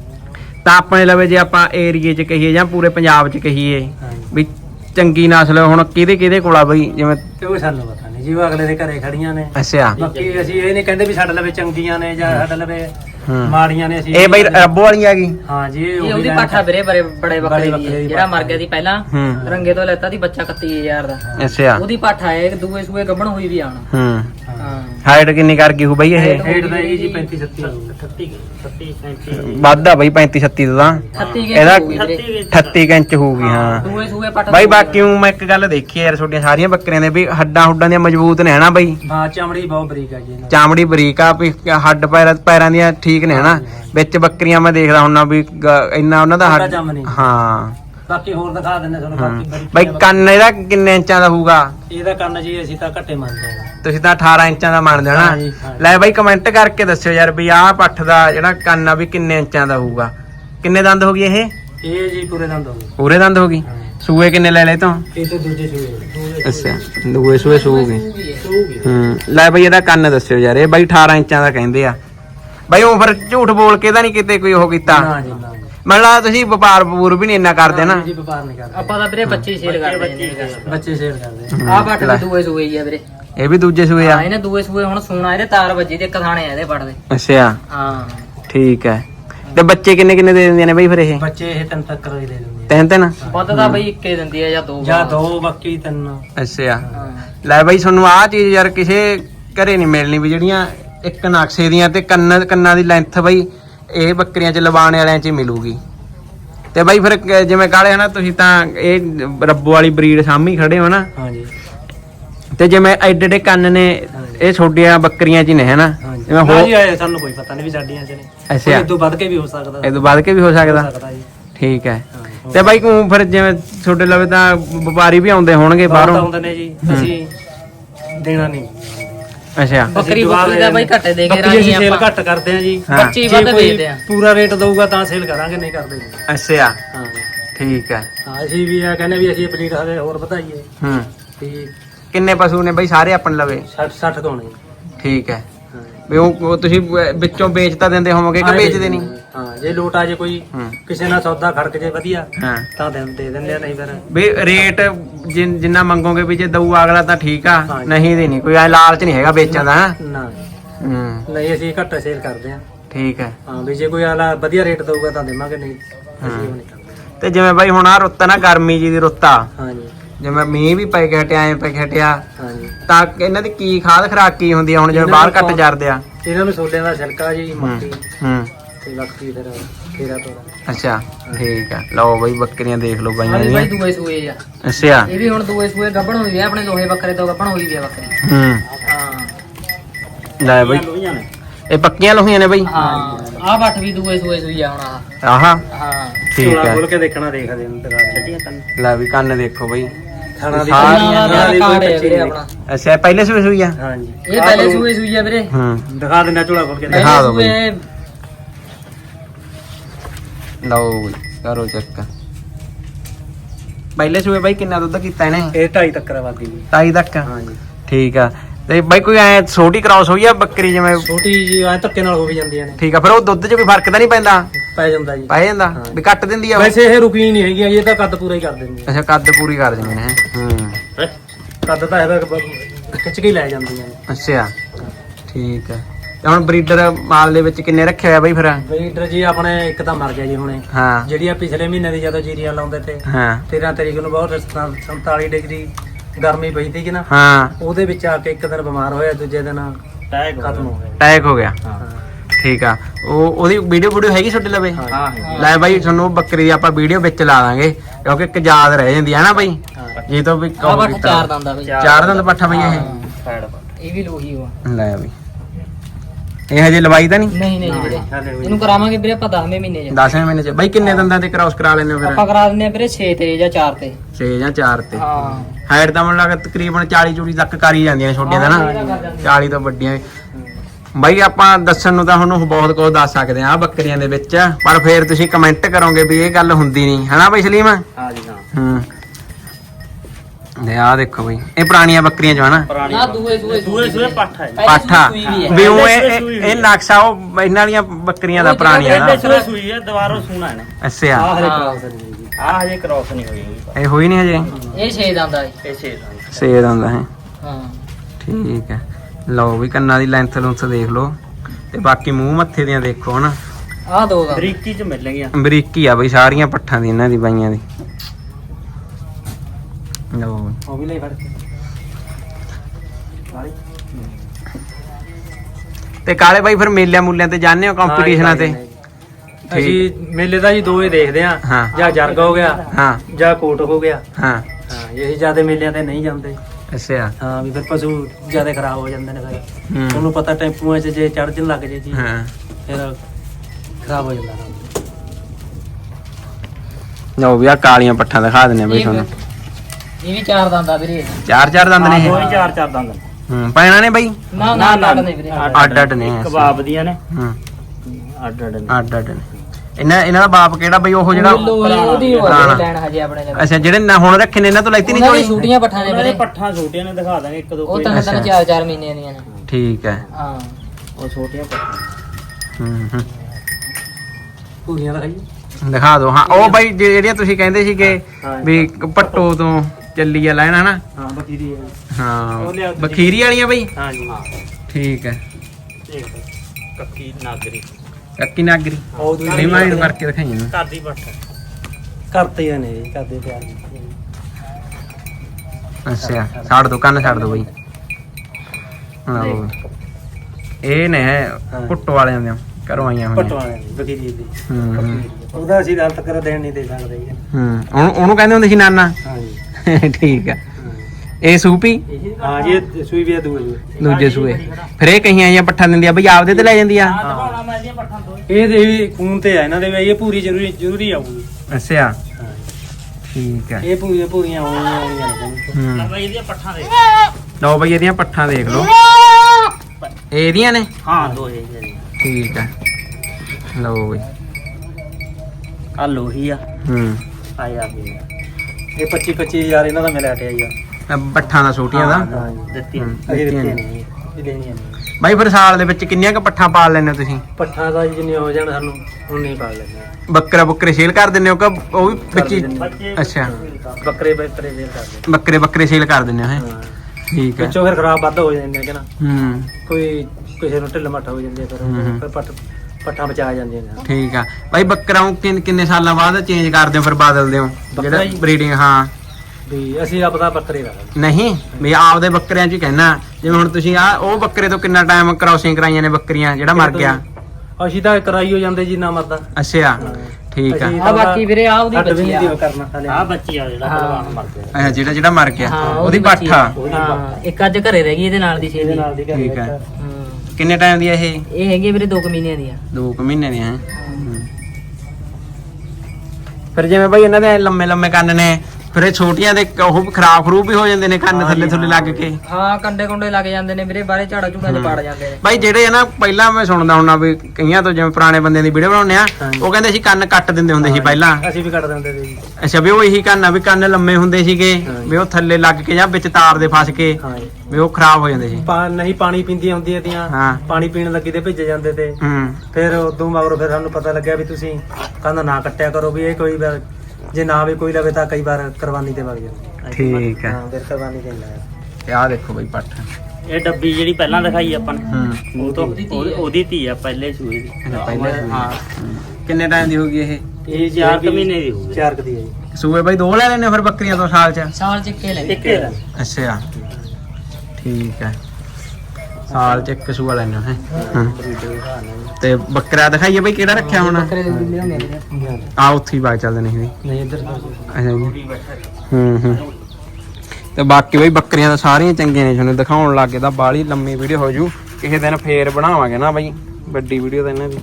A: ਤਾਂ ਆਪਣੇ ਲਵੇ ਜੇ ਆਪਾਂ ਏਰੀਏ 'ਚ ਕਹੀਏ ਜਾਂ ਪੂਰੇ ਪੰਜਾਬ 'ਚ ਕਹੀਏ
B: ਹਾਂ ਜੀ।
A: ਵੀ ਚੰਗੀ ਨਸਲ ਹੁਣ ਕਿਹਦੇ ਕਿਹਦੇ ਕੋਲ ਆ ਬਈ ਜਿਵੇਂ?
B: ਤੇ ਉਹ ਸਾਨੂੰ ਪਤਾ ਨਹੀਂ ਜੀ, ਉਹ ਅਗਲੇ ਦੇ ਘਰੇ ਖੜੀਆਂ ਨੇ।
A: ਅੱਛਾ।
B: ਬਾਕੀ ਅਸੀਂ ਇਹ ਨਹੀਂ ਕਹਿੰਦੇ ਵੀ ਸਾਡੇ ਲਵੇ ਚੰਗੀਆਂ ਨੇ ਜਾਂ ਸਾਡੇ ਲਵੇ
A: ਹੂੰ
B: ਮਾੜੀਆਂ ਨੇ। ਅਸੀਂ
A: ਇਹ ਬਈ ਰੱਬੋ ਵਾਲੀ ਆ ਗਈ।
B: ਹਾਂ ਜੀ,
C: ਇਹ
B: ਉਹੀ
C: ਉਹਦੀ
B: ਲੈਣ-
C: ਪਾਠਾ ਵੀਰੇ ਬੜੇ ਬੜੇ ਬੱਕਰੇ
B: ਬੜੇ
C: ਦੀ
B: ਬੱਕਰੇ
C: ਹੈ।
B: ਦੀ
C: ਜਿਹੜਾ
B: ਪਾਠਾ
C: ਮਰ ਗਿਆ ਸੀ ਪਹਿਲਾਂ
A: ਹੂੰ
C: ਰੰਗੇ ਤੋਂ ਲੈਤਾ ਸੀ ਬੱਚਾ ਇਕੱਤੀ ਹਜ਼ਾਰ ਦਾ।
A: ਅੱਛਾ।
C: ਉਹਦੀ ਪਾਠਾ ਹੈ ਦੂਏ ਸੂਏ ਗੱਭਣ ਹੋਈ ਵੀ ਆਉਣ।
A: ਹੂੰ
C: ਹਾਂ
A: ਹਾਈਟ ਕਿੰਨੀ ਕਰ ਗਈ ਹੋ ਬਈ ਇਹ?
B: ਹੇਠ ਦਾ ਇਹ ਜੀ ਪੈਂਤੀ ਛੱਤੀ ਅਠੱਤੀ ਪੈਂਤੀ
A: ਵੱਧ ਆ ਬਈ ਪੈਂਤੀ ਛੱਤੀ ਤੋਂ ਤਾਂ
C: ਅਠੱਤੀ ਕੇ
A: ਇਹਦਾ
C: ਹੋਊਗੀ ਵੀਰੇ।
A: ਅਠੱਤੀ ਇੰਚ ਹੋਊਗੀ। ਹਾਂ
C: ਦੂਏ ਸੂਏ ਪਾਠਾ
A: ਬਾਈ ਬਾਕੀ ਊਂ ਮੈਂ ਇੱਕ ਗੱਲ ਦੇਖੀ ਯਾਰ ਤੁਹਾਡੀਆਂ ਸਾਰੀਆਂ ਬੱਕਰੀਆਂ ਦੇ ਵੀ ਹੱਡਾਂ ਹੁੱਡਾਂ ਦੀਆਂ ਮਜ਼ਬੂਤ ਨੇ ਹਨਾ ਬਈ?
B: ਹਾਂ, ਚਮੜੀ ਬਹੁਤ ਬਰੀਕ ਆ ਜੀ ਇਹਨਾਂ ਦੀ।
A: ਚਾਮੜੀ ਬਰੀਕ ਆ ਵੀ ਹੱਡ ਪੈਰਾਂ ਪੈਰਾਂ ਦੀਆਂ ਠੀਕ ਨੇ ਹਨਾ? ਵਿੱਚ ਬੱਕਰੀਆਂ ਮੈਂ ਦੇਖਦਾ ਹੁੰਨਾ ਵੀ ਗ- ਇੰਨਾ ਉਹਨਾਂ ਦਾ
B: ਉਹਦਾ
A: ਹੱਡ।
B: ਜੰਮ ਨਹੀਂ।
A: ਹਾਂ
B: ਬਾਕੀ ਹੋਰ ਦਿਖਾ ਦਿੰਦੇ ਤੁਹਾਨੂੰ।
A: ਹਾਂ।
B: ਬਾਕੀ ਬਰੀਕੀਆਂ
A: ਬਾਈ ਕੰਨ ਇਹਦਾ ਕਿੰਨੇ ਇੰਚਾਂ ਦਾ ਹੋਊਗਾ?
B: ਇਹਦਾ ਕੰਨ ਜੀ ਅਸੀਂ ਤਾਂ ਘੱਟੇ ਮੰਨਦੇ ਹਾਂ।
A: ਤੁਸੀਂ ਤਾਂ ਅਠਾਰਾਂ ਇੰਚਾਂ ਦਾ ਮੰਨਦੇ ਹੋ ਨਾ?
B: ਹਾਂ ਜੀ, ਹਾਂ।
A: ਲੈ ਬਾਈ ਕਮੈਂਟ ਕਰਕੇ ਦੱਸਿਓ ਯਾਰ ਵੀ ਆਹ ਪੱਠ ਦਾ ਜਿਹੜਾ ਕੰਨ ਆ ਵੀ ਕਿੰਨੇ ਇੰਚਾਂ ਦਾ ਹੋਊਗਾ। ਕਿੰਨੇ ਦੰਦ ਹੋ ਗਈ ਇਹ?
B: ਇਹ ਜੀ ਪੂਰੇ ਦੰਦ ਹੋ ਗਏ।
A: ਪੂਰੇ ਦੰਦ ਹੋ ਗਈ। ਸੂਏ ਕਿੰਨੇ ਲੈ ਲਏ ਤੋਂ?
B: ਇਹ ਤੇ ਦੂਜੇ ਸੂਏ
A: ਅੱਛਾ ਦੂਏ ਸੂਏ ਸੂਗੇ।
B: ਸੂਗੇ।
A: ਹੂੰ ਲੈ ਬਾਈ ਇਹਦਾ ਕੰਨ ਦੱਸਿਓ ਯਾਰ। ਇਹ ਬਾਈ ਅਠਾਰਾਂ ਇੰਚਾਂ ਦਾ ਕਹਿੰਦੇ ਆ ਬਾਈ। ਉਹ ਫਿਰ ਝੂਠ ਬੋਲ ਕੇ ਤਾਂ ਨਹੀਂ ਕਿਤੇ ਕੋਈ ਉਹ ਕੀਤਾ?
B: ਨਾ ਜੀ, ਨਾ ਜੀ।
A: ਮਤਲਬ ਤੁਸੀਂ ਵਪਾਰ ਵਪੂਰ ਵੀ ਨਹੀਂ ਇੰਨਾ ਕਰਦੇ ਨਾ?
B: ਜੀ ਵਪਾਰ ਨਹੀਂ ਕਰਦੇ।
C: ਆਪਾਂ ਤਾਂ ਵੀਰੇ ਬੱਚੇ ਸੇਲ ਕਰਦੇ ਨੇ।
B: ਬੱਚੇ ਸੇਲ ਕਰਦੇ।
C: ਆਹ ਪੱਠ ਵੀ ਦੂਏ ਸੂਏ ਹੀ ਆ ਵੀਰੇ।
A: ਇਹ ਵੀ ਦੂਜੇ ਸੂਏ ਆ?
C: ਹਾਂ ਇਹਨੇ ਦੂਏ ਸੂਏ ਹੁਣ ਸੋਨਾ ਇਹਦੇ ਤਾਰ ਵੱਜੀ ਤੇ ਇੱਕ ਥਾਣੇ ਆ ਇਹਦੇ ਪੜਦੇ।
A: ਅੱਛਾ
C: ਹਾਂ
A: ਠੀਕ ਹੈ। ਤੇ ਬੱਚੇ ਕਿੰਨੇ ਕਿੰਨੇ ਦੇ ਦਿੰਦੀਆਂ ਨੇ ਬਾਈ ਫਿਰ ਇਹ?
B: ਬੱਚੇ ਇਹ ਤਿੰਨ ਤੱਕ ਦੇ ਦਿੰਦੇ ਆ।
A: ਤਿੰਨ ਤਿੰਨ?
C: ਵੱਧ ਤਾਂ ਬਈ ਇੱਕੇ ਦਿੰਦੀ ਆ ਜਾਂ ਦੋ।
B: ਜਾਂ ਦੋ, ਬਾਕੀ ਤਿੰਨ।
A: ਅੱਛਾ
C: ਹਾਂ
A: ਲੈ ਬਾਈ ਤੁਹਾਨੂੰ ਆਹ ਚੀਜ਼ ਯਾਰ ਕਿਸੇ ਘਰੇ ਨਹੀਂ ਮਿਲਣੀ ਵੀ ਜਿਹੜੀਆਂ ਇੱਕ ਨਕਸ਼ੇ ਦੀਆਂ ਤੇ ਕੰਨ ਕੰਨਾਂ ਦੀ ਲੈਂਥ ਬਾਈ ਇਹ ਬੱਕਰੀਆਂ 'ਚ ਲਵਾਣੇ ਵਾਲਿਆਂ 'ਚ ਹੀ ਮਿਲੂਗੀ। ਤੇ ਬਾਈ ਫਿਰ ਕ- ਜਿਵੇਂ ਕਾਲੇ ਹਨਾ ਤੁਸੀਂ ਤਾਂ ਇਹ ਰੱਬੋ ਵਾਲੀ ਬਰੀਡ ਸਾਹਮਣੇ ਖੜੇ ਹੋ ਨਾ?
B: ਹਾਂ ਜੀ।
A: ਤੇ ਜਿਵੇਂ ਐਡੇ ਐਡੇ ਕੰਨ ਨੇ ਇਹ ਛੋਡੀਆਂ ਬੱਕਰੀਆਂ 'ਚ ਹੀ ਨੇ ਹਨਾ? ਜਿਵੇਂ
B: ਹਾਂ
A: ਹੋ
B: ਜੀ, ਆਏ ਸਾਨੂੰ ਕੋਈ ਪਤਾ ਨਹੀਂ ਵੀ ਸਾਡੀਆਂ ਚ ਨੇ।
A: ਅੱਛਾ
B: ਇਹ ਤੋਂ ਵੱਧ ਕੇ ਵੀ ਹੋ ਸਕਦਾ।
A: ਇਹ ਤੋਂ ਵੱਧ ਕੇ ਵੀ ਹੋ ਸਕਦਾ?
B: ਹੋ ਸਕਦਾ ਜੀ।
A: ਠੀਕ ਹੈ।
B: ਹਾਂ।
A: ਤੇ ਬਾਈ ਕੋ ਫਿਰ ਜਿਵੇਂ ਛੋਟੇ ਲਵੇ ਤਾਂ ਵਪਾਰੀ ਵੀ ਆਉਂਦੇ ਹੋਣਗੇ
B: ਬਾਹਰੋਂ
A: ਬਾਹਰੋਂ?
B: ਆਉਂਦੇ ਨੇ ਜੀ, ਅਸੀਂ ਦੇਣਾ ਨਹੀਂ।
A: ਅੱਛਾ
C: ਬੱਕਰੀ ਬੱਕਰੀ ਦਾ ਬਈ ਘੱਟੇ ਦੇ ਕੇ
B: ਬੱਕਰੀ
C: ਰਾਜੀ
B: ਅਸੀਂ ਸੇਲ
C: ਆਪਾਂ
B: ਘੱਟ ਕਰਦੇ ਆ ਜੀ।
A: ਹਾਂ।
C: ਬੱਚੀ
B: ਜੇ
C: ਵੱਧ
B: ਕੋਈ
C: ਵੇਚਦੇ ਆ।
B: ਪੂਰਾ ਰੇਟ ਦਊਗਾ ਤਾਂ ਸੇਲ ਕਰਾਂਗੇ, ਨਹੀਂ ਕਰਦੇ ਜੀ।
A: ਅੱਛਾ
B: ਹਾਂ
A: ਠੀਕ ਹੈ।
B: ਹਾਂ, ਅਸੀਂ ਵੀ ਇਹ ਕਹਿੰਦੇ ਵੀ ਅਸੀਂ ਪਨੀਰ ਹਲੇ ਹੋਰ ਵਧਾਈਏ।
A: ਹੂੰ
B: ਤੇ
A: ਕਿੰਨੇ ਪਸ਼ੂ ਨੇ ਬਾਈ ਸਾਰੇ ਆਪਣੇ ਲਵੇ?
B: ਸੱਠ ਸੱਠ ਕੋਣੇ।
A: ਠੀਕ ਹੈ।
B: ਹਾਂ
A: ਵੀ ਉਹ ਉਹ ਤੁਸੀਂ ਵਿੱਚੋਂ ਵੇਚ ਤਾਂ ਦਿੰਦੇ ਹੋਵੋਗੇ ਕਿ ਵੇਚਦੇ ਨਹੀਂ?
B: ਹਾਂ, ਜੇ ਲੋਟ ਆ ਜੇ ਕੋਈ
A: ਹੂੰ
B: ਕਿਸੇ ਨਾਲ ਸੌਦਾ ਖੜਕ ਜੇ ਵਧੀਆ
A: ਹਾਂ
B: ਤਾਂ ਦੇ ਦੇ ਦਿੰਦੇ ਆ, ਨਹੀਂ ਫਿਰ
A: ਵੀ ਰੇਟ ਜਿਨ- ਜਿੰਨਾ ਮੰਗੋਗੇ ਵੀ ਜੇ ਦਊ ਅਗਲਾ ਤਾਂ ਠੀਕ ਆ,
B: ਹਾਂ।
A: ਨਹੀਂ ਦੇ ਨਹੀਂ ਕੋਈ ਐ ਲਾਲਚ ਨਹੀਂ ਹੈਗਾ ਵੇਚਣ ਦਾ ਹੈਂ?
B: ਨਾ
A: ਹੂੰ
B: ਨਹੀਂ, ਅਸੀਂ ਘੱਟ ਸੇਲ ਕਰਦੇ ਆ।
A: ਠੀਕ ਹੈ।
B: ਹਾਂ, ਵੀ ਜੇ ਕੋਈ ਆਲਾ ਵਧੀਆ ਰੇਟ ਦਊਗਾ ਤਾਂ ਦੇਵਾਂਗੇ, ਨਹੀਂ ਅਸੀਂ ਉਹ ਨਹੀਂ ਕਰਦੇ।
A: ਤੇ ਜਿਵੇਂ ਬਾਈ ਹੁਣ ਆ ਰੁੱਤ ਆ ਨਾ ਗਰਮੀ ਜੀ ਦੀ ਰੁੱਤ ਆ,
B: ਹਾਂ ਜੀ,
A: ਜਿਵੇਂ ਮੀਂਹ ਵੀ ਪੈ ਕੇ ਹਟਿਆ ਐ ਪੈ ਕੇ ਹਟਿਆ,
B: ਹਾਂ ਜੀ।
A: ਤਾਂ ਇਹਨਾਂ ਦੀ ਕੀ ਖਾਦ ਖਰਾਕ ਕੀ ਹੁੰਦੀ ਆ ਹੁਣ ਜਿਵੇਂ ਬਾਹਰ ਕੱਟ ਜਰਦੇ ਆ?
B: ਇਹਨਾਂ ਨੂੰ ਛੋਲਿਆਂ ਦਾ ਛਿਲਕਾ ਜੀ,
A: ਹੂੰ
B: ਮੱਕੀ
A: ਹੂੰ
B: ਤੇ ਬਾਕੀ ਫਿਰ ਫੇਰਾ ਤੋਰਾ।
A: ਅੱਛਾ ਠੀਕ ਆ। ਲਓ ਬਾਈ ਬੱਕਰੀਆਂ ਦੇਖ ਲਓ ਬਾਈਆਂ
C: ਹਾਂ ਬਈ
A: ਦੀਆਂ।
C: ਦੂਏ ਸੂਏ ਆ।
A: ਅੱਛਾ
C: ਇਹ ਵੀ ਹੁਣ ਦੂਏ ਸੂਏ ਗੱਭਣ ਹੋਈ ਆ, ਆਪਣੇ ਲੋਹੇ ਬੱਕਰੇ ਤੋਂ ਗੱਭਣ ਹੋਈ ਵੀ ਆ ਬੱਕਰੀ।
A: ਹੂੰ
C: ਹਾਂ
A: ਲੈ ਬਾਈ ਇਹ ਪੱਕੀਆਂ ਲੋਹੀਆਂ ਨੇ ਬਾਈ?
C: ਹਾਂ ਆਹ ਬੱਠ ਵੀ ਦੂਏ ਸੂਏ ਸੂਈ ਆ ਹੁਣ ਆਹ।
A: ਆਹਾ
C: ਹਾਂ
A: ਠੀਕ
B: ਝੋਲਾ
A: ਹੈ।
B: ਖੋਲ ਕੇ ਦੇਖਣਾ, ਦੇਖਦੇ ਨੇ ਦੁਕਾਨ ਛੱਡੀਆਂ ਕੰਨ
A: ਲੈ ਵੀ ਕੰਨ ਦੇਖੋ ਬਾਈ।
B: ਥਾਣਾ ਦੀ
A: ਸਾਰੀਆਂ
B: ਥਾਣਾ
C: ਦਾ
B: ਦੀ
C: ਕਾਰਡ
B: ਕੋਈ
C: ਹੈ
B: ਕੱਚੀ
C: ਵੀਰੇ
B: ਨਹੀਂ।
C: ਆਪਣਾ।
A: ਅੱਛਾ ਇਹ ਪਹਿਲੇ ਸੂਏ ਸੂਈ ਆ?
B: ਹਾਂ ਜੀ,
C: ਇਹ ਪਹਿਲੇ ਸੂਏ ਸੂਈ ਆ ਵੀਰੇ।
A: ਹੂੰ
B: ਦਿਖਾ ਦਿੰਦਾ ਝੋਲਾ ਖੋਲ ਕੇ।
A: ਦਿਖਾ ਦਿਓ ਬਈ।
C: ਸੂਏ
A: ਲਓ ਬਈ ਕਰੋ ਚੈੱਕ। ਪਹਿਲੇ ਸੂਏ ਬਾਈ ਕਿੰਨਾ ਦੁੱਧ ਕੀਤਾ ਇਹਨੇ?
B: ਇਹ ਢਾਈ ਤੱਕ ਰਵਾਦੀ ਜੀ।
A: ਤਾਈ ਤੱਕ?
B: ਹਾਂ ਜੀ।
A: ਠੀਕ ਆ। ਤੇ ਬਾਈ ਕੋਈ ਐ ਛੋਟੀ ਕ੍ਰਾਸ ਹੋਈ ਆ ਬੱਕਰੀ ਜਿਵੇਂ?
B: ਛੋਟੀ ਜੀ ਐ ਧੱਕੇ ਨਾਲ ਹੋ ਵੀ ਜਾਂਦੀਆਂ ਨੇ।
A: ਠੀਕ ਆ। ਫਿਰ ਉਹ ਦੁੱਧ 'ਚ ਕੋਈ ਫਰਕ ਤਾਂ ਨਹੀਂ ਪੈਂਦਾ?
B: ਪੈ ਜਾਂਦਾ ਜੀ।
A: ਪੈ ਜਾਂਦਾ ਵੀ ਕੱਟ ਦਿੰਦੀ ਆ ਉਹ?
B: ਵੈਸੇ ਇਹ ਰੁਕੀ ਨਹੀਂ ਹੈਗੀਆਂ, ਇਹ ਤਾਂ ਕੱਦ ਪੂਰਾ ਹੀ ਕਰ ਦਿੰਦੀਆਂ।
A: ਅੱਛਾ ਕੱਦ ਪੂਰੀ ਕਰ ਦਿੰਦੇ ਨੇ। ਹੂੰ
B: ਕੱਦ ਤਾਂ ਇਹਦਾ ਖਿੱਚ ਕੇ ਹੀ ਲੈ ਜਾਂਦੀਆਂ ਨੇ।
A: ਅੱਛਾ ਠੀਕ ਹੈ। ਤੇ ਹੁਣ ਬਰੀਡਰ ਮਾਲ ਦੇ ਵਿੱਚ ਕਿੰਨੇ ਰੱਖਿਆ ਹੋਇਆ ਬਾਈ ਫਿਰ?
B: ਬਰੀਡਰ ਜੀ ਆਪਣੇ ਇੱਕ ਤਾਂ ਮਰ ਗਿਆ ਜੀ ਹੁਣੇ,
A: ਹਾਂ
B: ਜਿਹੜੀ ਆ ਪਿਛਲੇ ਮਹੀਨੇ ਦੀ ਜਦੋਂ ਜੀਰੀਆਂ ਲਾਉਂਦੇ ਤੇ
A: ਹਾਂ
B: ਤੇਰਾਂ ਤਰੀਕ ਨੂੰ ਬਹੁਤ ਸੰਤਾਲੀ ਡਿਗਰੀ ਗਰਮੀ ਪਈ ਸੀ ਕਿ ਨਾ,
A: ਹਾਂ
B: ਉਹਦੇ ਵਿੱਚ ਆ ਕੇ ਇੱਕ ਦਿਨ ਬਿਮਾਰ ਹੋਇਆ, ਦੂਜੇ ਦਿਨ ਖਤਮ ਹੋ ਗਿਆ।
A: ਟੈਕ ਹੋ ਗਿਆ।
B: ਹਾਂ
A: ਠੀਕ ਆ। ਉਹ ਉਹਦੀ ਵੀਡੀਓ ਵੀਡੀਓ ਹੈਗੀ ਛੋਟੇ ਲਵੇ?
B: ਹਾਂ
A: ਲੈ ਬਾਈ ਤੁਹਾਨੂੰ ਬੱਕਰੀ ਦੀ ਆਪਾਂ ਵੀਡੀਓ ਵਿੱਚ ਲਾ ਦਾਂਗੇ ਕਿਉਂਕਿ ਇੱਕ ਯਾਦ ਰਹਿ ਜਾਂਦੀ ਹੈ ਨਾ ਬਾਈ ਜੇ ਤੋਂ ਵੀ
C: ਆਹ
A: ਕਹੋ
C: ਬੱਠ
A: ਕੀਤਾ।
C: ਚਾਰ ਦੰਦਾ ਬਈ।
A: ਚਾਰ ਦੰਦ ਪੱਠਾ ਬਈ ਇਹ?
C: ਇਹ ਵੀ ਲੋਹੀ ਹੋ
A: ਲੈ ਬਈ ਇਹ ਹਜੇ ਲਵਾਈ ਤਾਂ ਨਹੀਂ?
C: ਨਹੀਂ ਨਹੀਂ ਵੀਰੇ, ਇਹਨੂੰ ਕਰਾਵਾਂਗੇ ਵੀਰੇ ਆਪਾਂ ਦਸਵੇਂ ਮਹੀਨੇ ਚ।
A: ਦਸਵੇਂ ਮਹੀਨੇ ਚ? ਬਾਈ ਕਿੰਨੇ ਦੰਦਾਂ ਤੇ ਕ੍ਰਾਸ ਕਰਾ ਲੈਂਦੇ ਹੋ ਫਿਰ?
C: ਆਪਾਂ ਕਰਾ ਦਿੰਦੇ ਆ ਵੀਰੇ ਛੇ ਤੇ ਜਾਂ ਚਾਰ ਤੇ।
A: ਛੇ ਜਾਂ ਚਾਰ ਤੇ?
C: ਹਾਂ
A: ਹਾਈਟ ਤਾਂ ਮੈਨੂੰ ਲੱਗਦਾ ਤਕਰੀਬਨ ਚਾਲੀ ਚੂੜੀ ਤੱਕ ਕਰ ਹੀ ਜਾਂਦੀਆਂ ਛੋਟੀਆਂ ਦਾ ਨਾ, ਚਾਲੀ ਤੋਂ ਵੱਡੀਆਂ। ਬਾਈ ਆਪਾਂ ਦੱਸਣ ਨੂੰ ਤਾਂ ਤੁਹਾਨੂੰ ਬਹੁਤ ਕੁਝ ਦੱਸ ਸਕਦੇ ਆ ਬੱਕਰੀਆਂ ਦੇ ਵਿੱਚ, ਪਰ ਫੇਰ ਤੁਸੀਂ ਕਮੈਂਟ ਕਰੋਗੇ ਵੀ ਇਹ ਗੱਲ ਹੁੰਦੀ ਨਹੀਂ, ਹਨਾ ਬਾਈ ਸਲੀਮ?
B: ਹਾਂ ਜੀ ਹਾਂ।
A: ਹੂੰ ਦੇ ਆ ਦੇਖੋ ਬਈ, ਇਹ ਪੁਰਾਣੀਆਂ ਬੱਕਰੀਆਂ ਜੋ ਹਨਾ,
C: ਨਾ ਦੂਏ ਦੂਏ
B: ਦੂਏ ਸੂਏ ਪੱਠਾ ਹੈ
A: ਪਾਠਾ
C: ਸੂਈ ਵੀ ਹੈ।
A: ਵੀ ਉਹ ਇਹ ਇਹ- ਇਹ ਨਕਸ਼ਾ ਉਹ ਇਹਨਾਂ ਵਾਲੀਆਂ ਬੱਕਰੀਆਂ ਦਾ ਪੁਰਾਣੀਆਂ ਨਾ।
B: ਪਹਿਲੇ ਸੂਏ ਸੂਈ ਹੈ, ਦੁਬਾਰਾ ਸੂਣਾ ਹੈ ਨਾ।
A: ਅੱਛਾ,
B: ਆਹ ਹਲੇ ਕ੍ਰਾਸ ਨਹੀਂ ਜੀ, ਆਹ ਹਜੇ ਕ੍ਰਾਸ ਨਹੀਂ ਹੋਈ ਹੈਗੀ।
A: ਇਹ ਹੋਈ ਨਹੀਂ ਹਜੇ,
C: ਇਹ ਛੇ ਦੰਦ ਆ ਜੀ।
B: ਇਹ ਛੇ ਦਾ
A: ਸੇਦ ਆਉਂਦਾ ਹੈ।
C: ਹਾਂ
A: ਠੀਕ ਹੈ, ਲਓ ਵੀ ਕੰਨਾਂ ਦੀ ਲੈਂਥ ਲੂੰਥ ਦੇਖ ਲਓ, ਤੇ ਬਾਕੀ ਮੂੰਹ ਮੱਥੇ ਦੀਆਂ ਦੇਖੋ ਹਨਾ,
C: ਆਹ ਦੋ ਦੰਦ
B: ਬਰੀਕੀ ਚ ਮਿਲਣਗੀਆਂ।
A: ਬਰੀਕੀ ਆ ਬਈ ਸਾਰੀਆਂ ਪੱਠਾਂ ਦੀ ਇਹਨਾਂ ਦੀ ਬਾਈਆਂ ਦੀ। ਲਓ
B: ਉਹ ਵੀ ਲੈ ਫੜ ਕੇ
A: ਤੇ ਕਾਲੇ ਬਾਈ ਫਿਰ ਮੇਲਿਆਂ ਮੂਲਿਆਂ ਤੇ ਜਾਂਦੇ ਹੋ ਕੰਪੀਟੀਸ਼ਨਾਂ ਤੇ?
B: ਅਸੀਂ ਮੇਲੇ ਦਾ ਜੀ ਦੋ ਹੀ ਦੇਖਦੇ ਆ,
A: ਹਾਂ।
B: ਜਾਂ ਜਰਗ ਹੋ ਗਿਆ
A: ਹਾਂ
B: ਜਾਂ ਕੋਟ ਹੋ ਗਿਆ।
A: ਹਾਂ
B: ਹਾਂ ਇਹ ਜਿਆਦਾ ਮੇਲਿਆਂ ਤੇ ਨਹੀਂ ਜਾਂਦੇ।
A: ਅੱਛਾ।
B: ਹਾਂ ਵੀ ਫਿਰ ਪਸ਼ੂ ਜਿਆਦਾ ਖਰਾਬ ਹੋ ਜਾਂਦੇ ਨੇ, ਫਿਰ
A: ਹੂੰ।
B: ਤੁਹਾਨੂੰ ਪਤਾ ਟੈਂਪੂਆਂ 'ਚ ਜੇ ਚੜ੍ਹਨ ਲੱਗ ਜੇ ਜੀ
A: ਹਾਂ
B: ਫਿਰ ਖਰਾਬ ਹੋ ਜਾਂਦਾ ਕੰਮ।
A: ਲਓ ਵੀ ਆ ਕਾਲੀਆਂ ਪੱਠਾਂ ਦਿਖਾ ਦਿੰਨੇ ਬਈ ਤੁਹਾਨੂੰ,
C: ਇਹ ਵੀ ਚਾਰ ਦੰਦ ਆ ਵੀਰੇ।
A: ਚਾਰ ਚਾਰ ਦੰਦ ਨੇ ਇਹ?
B: ਦੋ ਹੀ ਚਾਰ ਚਾਰ ਦੰਦ ਨੇ।
A: ਹੂੰ ਪੈਣਾ ਨੇ ਬਈ?
C: ਨਾ ਨਾ ਲੱਗ ਨੇ ਵੀਰੇ।
A: ਅੱਡ ਅੱਡ ਨੇ
B: ਕਬਾਬ ਦੀਆਂ ਨੇ,
A: ਹੂੰ
B: ਅੱਡ ਅੱਡ ਨੇ।
A: ਅੱਡ ਅੱਡ ਨੇ। ਇਹਨਾਂ ਇਹਨਾਂ ਦਾ ਬਾਪ ਕਿਹੜਾ ਬਈ? ਉਹ ਜਿਹੜਾ
C: ਲੋਹੇ ਉਹਦੀ ਹੋਈ
A: ਪੁਰਾਣਾ।
C: ਲੈਣ ਹਜੇ ਆਪਣੇ ਲਈ।
A: ਅੱਛਾ, ਜਿਹੜੇ ਨਾ ਹੁਣ ਰੱਖੇ ਨੇ ਇਹਨਾਂ ਤੋਂ ਲੈਤੀ ਨਹੀਂ
C: ਉਹਨਾਂ ਦੀ
A: ਚੋਲੀ?
C: ਛੋਟੀਆਂ ਪੱਠਾਂ ਨੇ
B: ਉਹਨਾਂ ਦੇ
C: ਵੀਰੇ,
B: ਪੱਠਾਂ ਛੋਟੀਆਂ ਨੇ, ਦਿਖਾ ਦਾਂਗੇ ਇੱਕ ਦੋ
C: ਉਹ
B: ਕੋਈ।
C: ਤਿੰਨ ਤਿੰਨ ਚਾਰ ਚਾਰ ਮਹੀਨੇ ਦੀਆਂ ਨੇ।
A: ਠੀਕ ਹੈ।
C: ਹਾਂ
B: ਉਹ ਛੋਟੀਆਂ ਪੱਠਾਂ
A: ਹੂੰ ਹੂੰ
B: ਪੂਰੀਆਂ ਦਿਖਾਈਏ।
A: ਦਿਖਾ ਦਿਓ। ਹਾਂ ਉਹ ਬਾਈ ਜੇ- ਜਿਹੜੀਆਂ ਤੁਸੀਂ ਕਹਿੰਦੇ ਸੀਗੇ
B: ਹਾਂ।
A: ਵੀ ਪੱਟੋ ਤੋਂ ਚੱਲੀ ਆ ਲੈਣ ਹਨਾ?
B: ਹਾਂ ਬਕੀਰੀ ਹੈ। ਉਹ
A: ਹਾਂ
B: ਲਿਆ ਤੁਸੀਂ।
A: ਬਖੀਰੀ ਵਾਲੀਆਂ ਬਈ?
B: ਹਾਂ ਜੀ ਹਾਂ।
A: ਠੀਕ ਹੈ।
B: ਦੇਖ ਕੱਕੀ ਨਾਗਰੀ
A: ਕੱਕੀ ਨਾਗਰੀ
B: ਉਹ ਦੂਜੀ
A: ਲੀਮਾ ਨੂੰ ਕਰਕੇ ਦਿਖਾਈਆਂ ਨਾ।
B: ਘਰ ਦੀ ਪੱਠ ਕਰਤੇ ਆ ਨੇ ਜੀ, ਕਰਦੇ ਪਿਆਰ ਜੀ।
A: ਅੱਛਾ ਛੱਡ ਦੋ, ਕੰਨ ਛੱਡ ਦੋ ਬਈ। ਲਓ ਇਹ ਨੇ ਕੁੱਟੋ ਵਾਲਿਆਂ ਦੇ ਘਰੋਂ ਆਈਆਂ ਹੋਈਆਂ।
B: ਪਟਵਾਣੇ ਦੀ ਬਕੀਰੀ ਦੀ।
A: ਹੂੰ ਹੂੰ
B: ਉਹਦਾ ਅਸੀਂ ਹਾਲ ਤੱਕ ਦੇਣ ਨਹੀਂ ਦੇ ਸਕਦੇ ਜੀ।
A: ਹੂੰ ਉਹਨੂੰ ਉਹਨੂੰ ਕਹਿੰਦੇ ਹੁੰਦੇ ਸੀ ਨਾਨਾ?
B: ਹਾਂ ਜੀ
A: ਠੀਕ ਹੈ। ਇਹ ਸੂਪੀ
B: ਹਾਂ ਜੀ, ਇਹ ਸੂਈ ਵੀ ਆ ਦੂਜੀ।
A: ਦੂਜੇ ਸੂਏ ਫਿਰ ਇਹ ਕਹੀਆਂ ਆਈਆਂ ਪੱਠਾਂ ਦਿੰਦੀ ਆ ਬਈ, ਆਪਦੇ ਤੇ ਲੈ ਜਾਂਦੀ ਆ?
B: ਇਹ ਦੇ ਵੀ ਖੂਨ ਤੇ ਆ ਇਹਨਾਂ ਦੇ ਵੀ, ਇਹ ਪੂਰੀ ਜ਼ਰੂਰੀ ਜ਼ਰੂਰੀ ਆਊਗੀ।
A: ਅੱਛਾ ਠੀਕ ਹੈ।
B: ਇਹ ਪੂਰੀਆਂ ਪੂਰੀਆਂ ਆਉਣੀਆਂ ਆਉਣੀਆਂ ਨੇ।
A: ਹੂੰ
B: ਬਈ ਇਹਦੀਆਂ ਪੱਠਾਂ ਦੇ।
A: ਲਓ ਬਈ ਇਹਦੀਆਂ ਪੱਠਾਂ ਦੇਖ ਲਓ, ਇਹ ਇਹਦੀਆਂ ਨੇ?
B: ਹਾਂ ਦੋ ਇਹ
A: ਠੀਕ ਹੈ। ਲਓ ਬਈ
B: ਆ ਲੋਹੀ ਆ,
A: ਹੂੰ
B: ਆ ਯਾਰ ਵੀ ਇਹ ਪੱਚੀ ਪੱਚੀ ਹਜ਼ਾਰ ਇਹਨਾਂ ਦਾ ਮਿਲਿਆ ਟਿਆ ਯਾਰ।
A: ਇਹ ਪੱਠਾਂ ਦਾ ਛੋਟੀਆਂ ਦਾ?
B: ਹਾਂ ਜੀ, ਦਿੱਤੀਆਂ
A: ਹੂੰ,
B: ਅਜੇ
A: ਦਿੱਤੀਆਂ
B: ਦਿੱਤੀਆਂ
A: ਨੇ।
B: ਨਹੀਂ, ਇਹ ਦੇਣੀਆਂ ਨਹੀਂ।
A: ਬਾਈ ਫਿਰ ਸਾਲ ਦੇ ਵਿੱਚ ਕਿੰਨੀਆਂ ਕ ਪੱਠਾਂ ਪਾਲ ਲੈਂਦੇ ਹੋ ਤੁਸੀਂ?
B: ਪੱਠਾਂ ਦਾ ਜਿੰਨੇ ਹੋ ਜਾਣ ਸਾਨੂੰ ਉਨੇ ਹੀ ਪਾ ਲੈਂਦੇ।
A: ਬੱਕਰਾ ਬੁੱਕਰੇ ਸੇਲ ਕਰ ਦਿੰਦੇ ਹੋ ਕਿ ਉਹ ਵੀ ਵਿੱਚ ਹੀ? ਅੱਛਾ
B: ਬੱਕਰੇ ਬੱਕਰੇ ਵੇਲ ਕਰਦੇ।
A: ਬੱਕਰੇ ਬੱਕਰੇ ਸੇਲ ਕਰ ਦਿੰਦੇ ਹੋ ਹੈਂ?
B: ਹਾਂ
A: ਠੀਕ ਹੈ।
B: ਵਿੱਚੋਂ ਫਿਰ ਖਰਾਬ ਵੱਧ ਹੋ ਜਾਂਦੇ ਨੇ ਕਿ ਨਾ,
A: ਹੂੰ
B: ਕੋਈ ਕਿਸੇ ਨੂੰ ਢਿੱਲ ਮੱਠ ਹੋ ਜਾਂਦੀ ਹੈ, ਫਿਰ
A: ਹੂੰ, ਹੂੰ।
B: ਉਹ- ਫਿਰ ਪੱਠ ਪੱਠਾਂ ਬਚਾ ਜਾਂਦੀਆਂ ਨੇ।
A: ਠੀਕ ਆ ਬਾਈ। ਬੱਕਰਾ ਨੂੰ ਕਿੰਨ- ਕਿੰਨੇ ਸਾਲਾਂ ਬਾਅਦ ਚੇਂਜ ਕਰਦੇ ਹੋ ਫਿਰ, ਬਦਲਦੇ ਹੋ
B: ਬੱਕਰਾ
A: ਜਿਹੜਾ
B: ਜੀ?
A: ਬਰੀਡਿੰਗ? ਹਾਂ
B: ਵੀ ਅਸੀਂ ਆਪਦਾ ਬੱਕਰੇ ਰੱਖਦੇ।
A: ਨਹੀਂ ਵੀ ਆਪਦੇ ਬੱਕਰਿਆਂ ਚ ਹੀ ਕਹਿਣਾ, ਜਿਵੇਂ ਹੁਣ ਤੁਸੀਂ ਆ ਉਹ ਬੱਕਰੇ ਤੋਂ ਕਿੰਨਾ ਟਾਈਮ ਕ੍ਰਾਸਿੰਗ ਕਰਾਈਆਂ ਨੇ ਬੱਕਰੀਆਂ ਜਿਹੜਾ ਮਰ ਗਿਆ?
B: ਅਸੀਂ ਤਾਂ ਕਰਾਈ ਹੋ ਜਾਂਦੇ ਜੀ ਨਾ ਮਰਦਾ।
A: ਅੱਛਾ ਠੀਕ ਆ।
B: ਅਸੀਂ
C: ਆ ਬਾਕੀ ਵੀਰੇ ਆ ਉਹਦੀ
B: ਹੱਡ ਵੀ
C: ਬੱਚੀ
B: ਨਹੀਂ
C: ਆ।
B: ਦਿਓ ਕਰਨਾ ਹਾਲੇ। ਆ ਬੱਚੀ ਆ ਜਿਹੜਾ ਪਹਿਲਵਾਨ ਮਰ ਗਿਆ।
A: ਅੱਛਾ ਜਿਹੜਾ ਜਿਹੜਾ ਮਰ ਗਿਆ
C: ਹਾਂ,
A: ਉਹਦੀ
C: ਬੱਚੀ
A: ਪੱਠ ਆ?
C: ਆ। ਹਾਂ ਇੱਕ ਅੱਜ ਘਰੇ ਰਹਿ ਗਈ ਇਹਦੇ ਨਾਲ ਦੀ ਛੇ
B: ਇਹਦੇ
C: ਦੀ।
B: ਨਾਲ ਦੀ ਘਰੇ
A: ਠੀਕ ਹੈ।
B: ਇੱਕ।
C: ਹਾਂ
A: ਕਿੰਨੇ ਟਾਈਮ ਦੀ ਆ ਇਹ?
C: ਇਹ ਹੈਗੀ ਵੀਰੇ ਦੋ ਕੁ ਮਹੀਨਿਆਂ ਦੀ ਆ।
A: ਦੋ ਕੁ ਮਹੀਨੇ ਦੀਆਂ ਹੈ। ਫਿਰ ਜਿਵੇਂ ਬਾਈ ਇਹਨਾਂ ਦੇ ਲੰਮੇ ਲੰਮੇ ਕੰਨ ਨੇ, ਫਿਰ ਇਹ ਛੋਟੀਆਂ ਦੇ ਉਹ ਖਰਾਬ ਖਰੂਬ ਵੀ ਹੋ ਜਾਂਦੇ ਨੇ ਕੰਨ ਥੱਲੇ ਥੱਲੇ ਲੱਗ ਕੇ?
C: ਹਾਂ ਕੰਡੇ ਕੁੰਡੇ ਲੱਗ ਜਾਂਦੇ ਨੇ ਵੀਰੇ, ਬਾਹਰੇ ਝਾੜਾ ਝੂੜਾਂ ਚ ਪੜ ਜਾਂਦੇ ਨੇ।
A: ਬਾਈ ਜਿਹੜੇ ਆ ਨਾ ਪਹਿਲਾਂ ਮੈਂ ਸੁਣਦਾ ਹੁੰਨਾ ਵੀ ਕਈਆਂ ਤੋਂ, ਜਿਵੇਂ ਪੁਰਾਣੇ ਬੰਦਿਆਂ ਦੀ ਵੀਡੀਓ ਬਣਾਉਂਦੇ ਆ, ਉਹ ਕਹਿੰਦੇ ਸੀ ਕੰਨ ਕੱਟ ਦਿੰਦੇ ਹੁੰਦੇ ਸੀ ਪਹਿਲਾਂ।
B: ਅਸੀਂ ਵੀ ਕੱਟ ਦਿੰਦੇ ਸੀ ਜੀ।
A: ਅੱਛਾ ਵੀ ਉਹ ਇਹੀ ਕੰਨ ਆ ਵੀ ਕੰਨ ਲੰਮੇ ਹੁੰਦੇ ਸੀਗੇ ਵੀ ਉਹ ਥੱਲੇ ਲੱਗ ਕੇ ਜਾਂ ਵਿੱਚ ਤਾਰ ਦੇ ਫਸ ਕੇ
B: ਹਾਂ ਜੀ।
A: ਵੀ ਉਹ ਖਰਾਬ ਹੋ ਜਾਂਦੇ ਸੀ।
B: ਪਾ ਨਹੀਂ ਪਾਣੀ ਪੀਂਦੀਆਂ ਹੁੰਦੀਆਂ ਤੀਆਂ,
A: ਹਾਂ
B: ਪਾਣੀ ਪੀਣ ਲੱਗੀ ਤੇ ਭਿੱਜ ਜਾਂਦੇ ਤੇ।
A: ਹੂੰ
B: ਫਿਰ ਉਦੋਂ ਮਗਰੋਂ ਫਿਰ ਸਾਨੂੰ ਪਤਾ ਲੱਗਿਆ ਵੀ ਤੁਸੀਂ ਕੰਨ ਨਾ ਕੱਟਿਆ ਕਰੋ, ਵੀ ਇਹ ਕੋਈ ਵਾਰ ਜੇ ਨਾ ਵੀ ਕੋਈ ਲਵੇ ਤਾਂ ਕਈ ਵਾਰ ਕੁਰਬਾਨੀ ਤੇ ਵਗ ਜਾਂਦੀ।
A: ਠੀਕ ਹੈ।
B: ਹਾਂ ਫਿਰ ਕੁਰਬਾਨੀ ਤੇ ਲਾਇਆ।
A: ਤੇ ਆਹ ਦੇਖੋ ਬਾਈ ਪੱਠ।
D: ਇਹ ਡੱਬੀ ਜਿਹੜੀ ਪਹਿਲਾਂ ਦਿਖਾਈ ਆਪਾਂ ਨੇ,
A: ਹੂੰ
D: ਉਹ ਤੋਂ ਉਹ- ਉਹਦੀ ਧੀ ਆ ਪਹਿਲੇ ਸੂਏ ਦੀ।
A: ਅੱਛਾ ਪਹਿਲੇ ਸੂਏ।
D: ਹਾਂ
A: ਕਿੰਨੇ ਟਾਈਮ ਦੀ ਹੋ ਗਈ ਇਹ?
B: ਇਹ ਜੀ
D: ਚਾਰ ਕੁ
B: ਹੈਗੀ
D: ਮਹੀਨੇ ਦੀ ਹੋਊਗੀ।
B: ਚਾਰ ਕੁ ਦੀ ਹੈ ਜੀ।
A: ਸੂਏ ਬਾਈ ਦੋ ਲੈ ਲੈਣੇ ਫਿਰ ਬੱਕਰੀਆਂ ਤੋਂ ਸਾਲ ਚ?
C: ਸਾਲ ਚ ਇੱਕੇ ਲੈ
D: ਇੱਕ ਇਹਦਾ।
A: ਅੱਛਾ ਠੀਕ ਹੈ। ਸਾਲ ਚ ਇੱਕ ਸੂਆ ਲੈਣਾ ਹੈ। ਤੇ ਬੱਕਰਾ ਦਿਖਾਈਏ ਬਈ ਕਿਹੜਾ ਰੱਖਿਆ ਹੁਣ?
C: ਬੱਕਰੇ ਦੇ ਉੱਲੇ ਹੁੰਦੇ ਨੇ।
A: ਆ ਉੱਥੇ ਹੀ ਬਾਗ ਚੱਲਦੇ ਨੇ ਇਹ ਵੀ।
B: ਨਹੀਂ ਇੱਧਰ ਤਾਂ
A: ਅੱਛਾ ਜੀ। ਹੂੰ ਹੂੰ ਤੇ ਬਾਕੀ ਬਈ ਬੱਕਰੀਆਂ ਤਾਂ ਸਾਰੀਆਂ ਚੰਗੀਆਂ ਨੇ, ਤੁਹਾਨੂੰ ਦਿਖਾਉਣ ਲੱਗੇ ਤਾਂ ਬਾਹਲੀ ਲੰਮੀ ਵੀਡੀਓ ਹੋ ਜੂ, ਕਿਸੇ ਦਿਨ ਫੇਰ ਬਣਾਵਾਂਗੇ ਨਾ ਬਈ ਵੱਡੀ ਵੀਡੀਓ ਤਾਂ ਇਹਨਾਂ ਦੀ।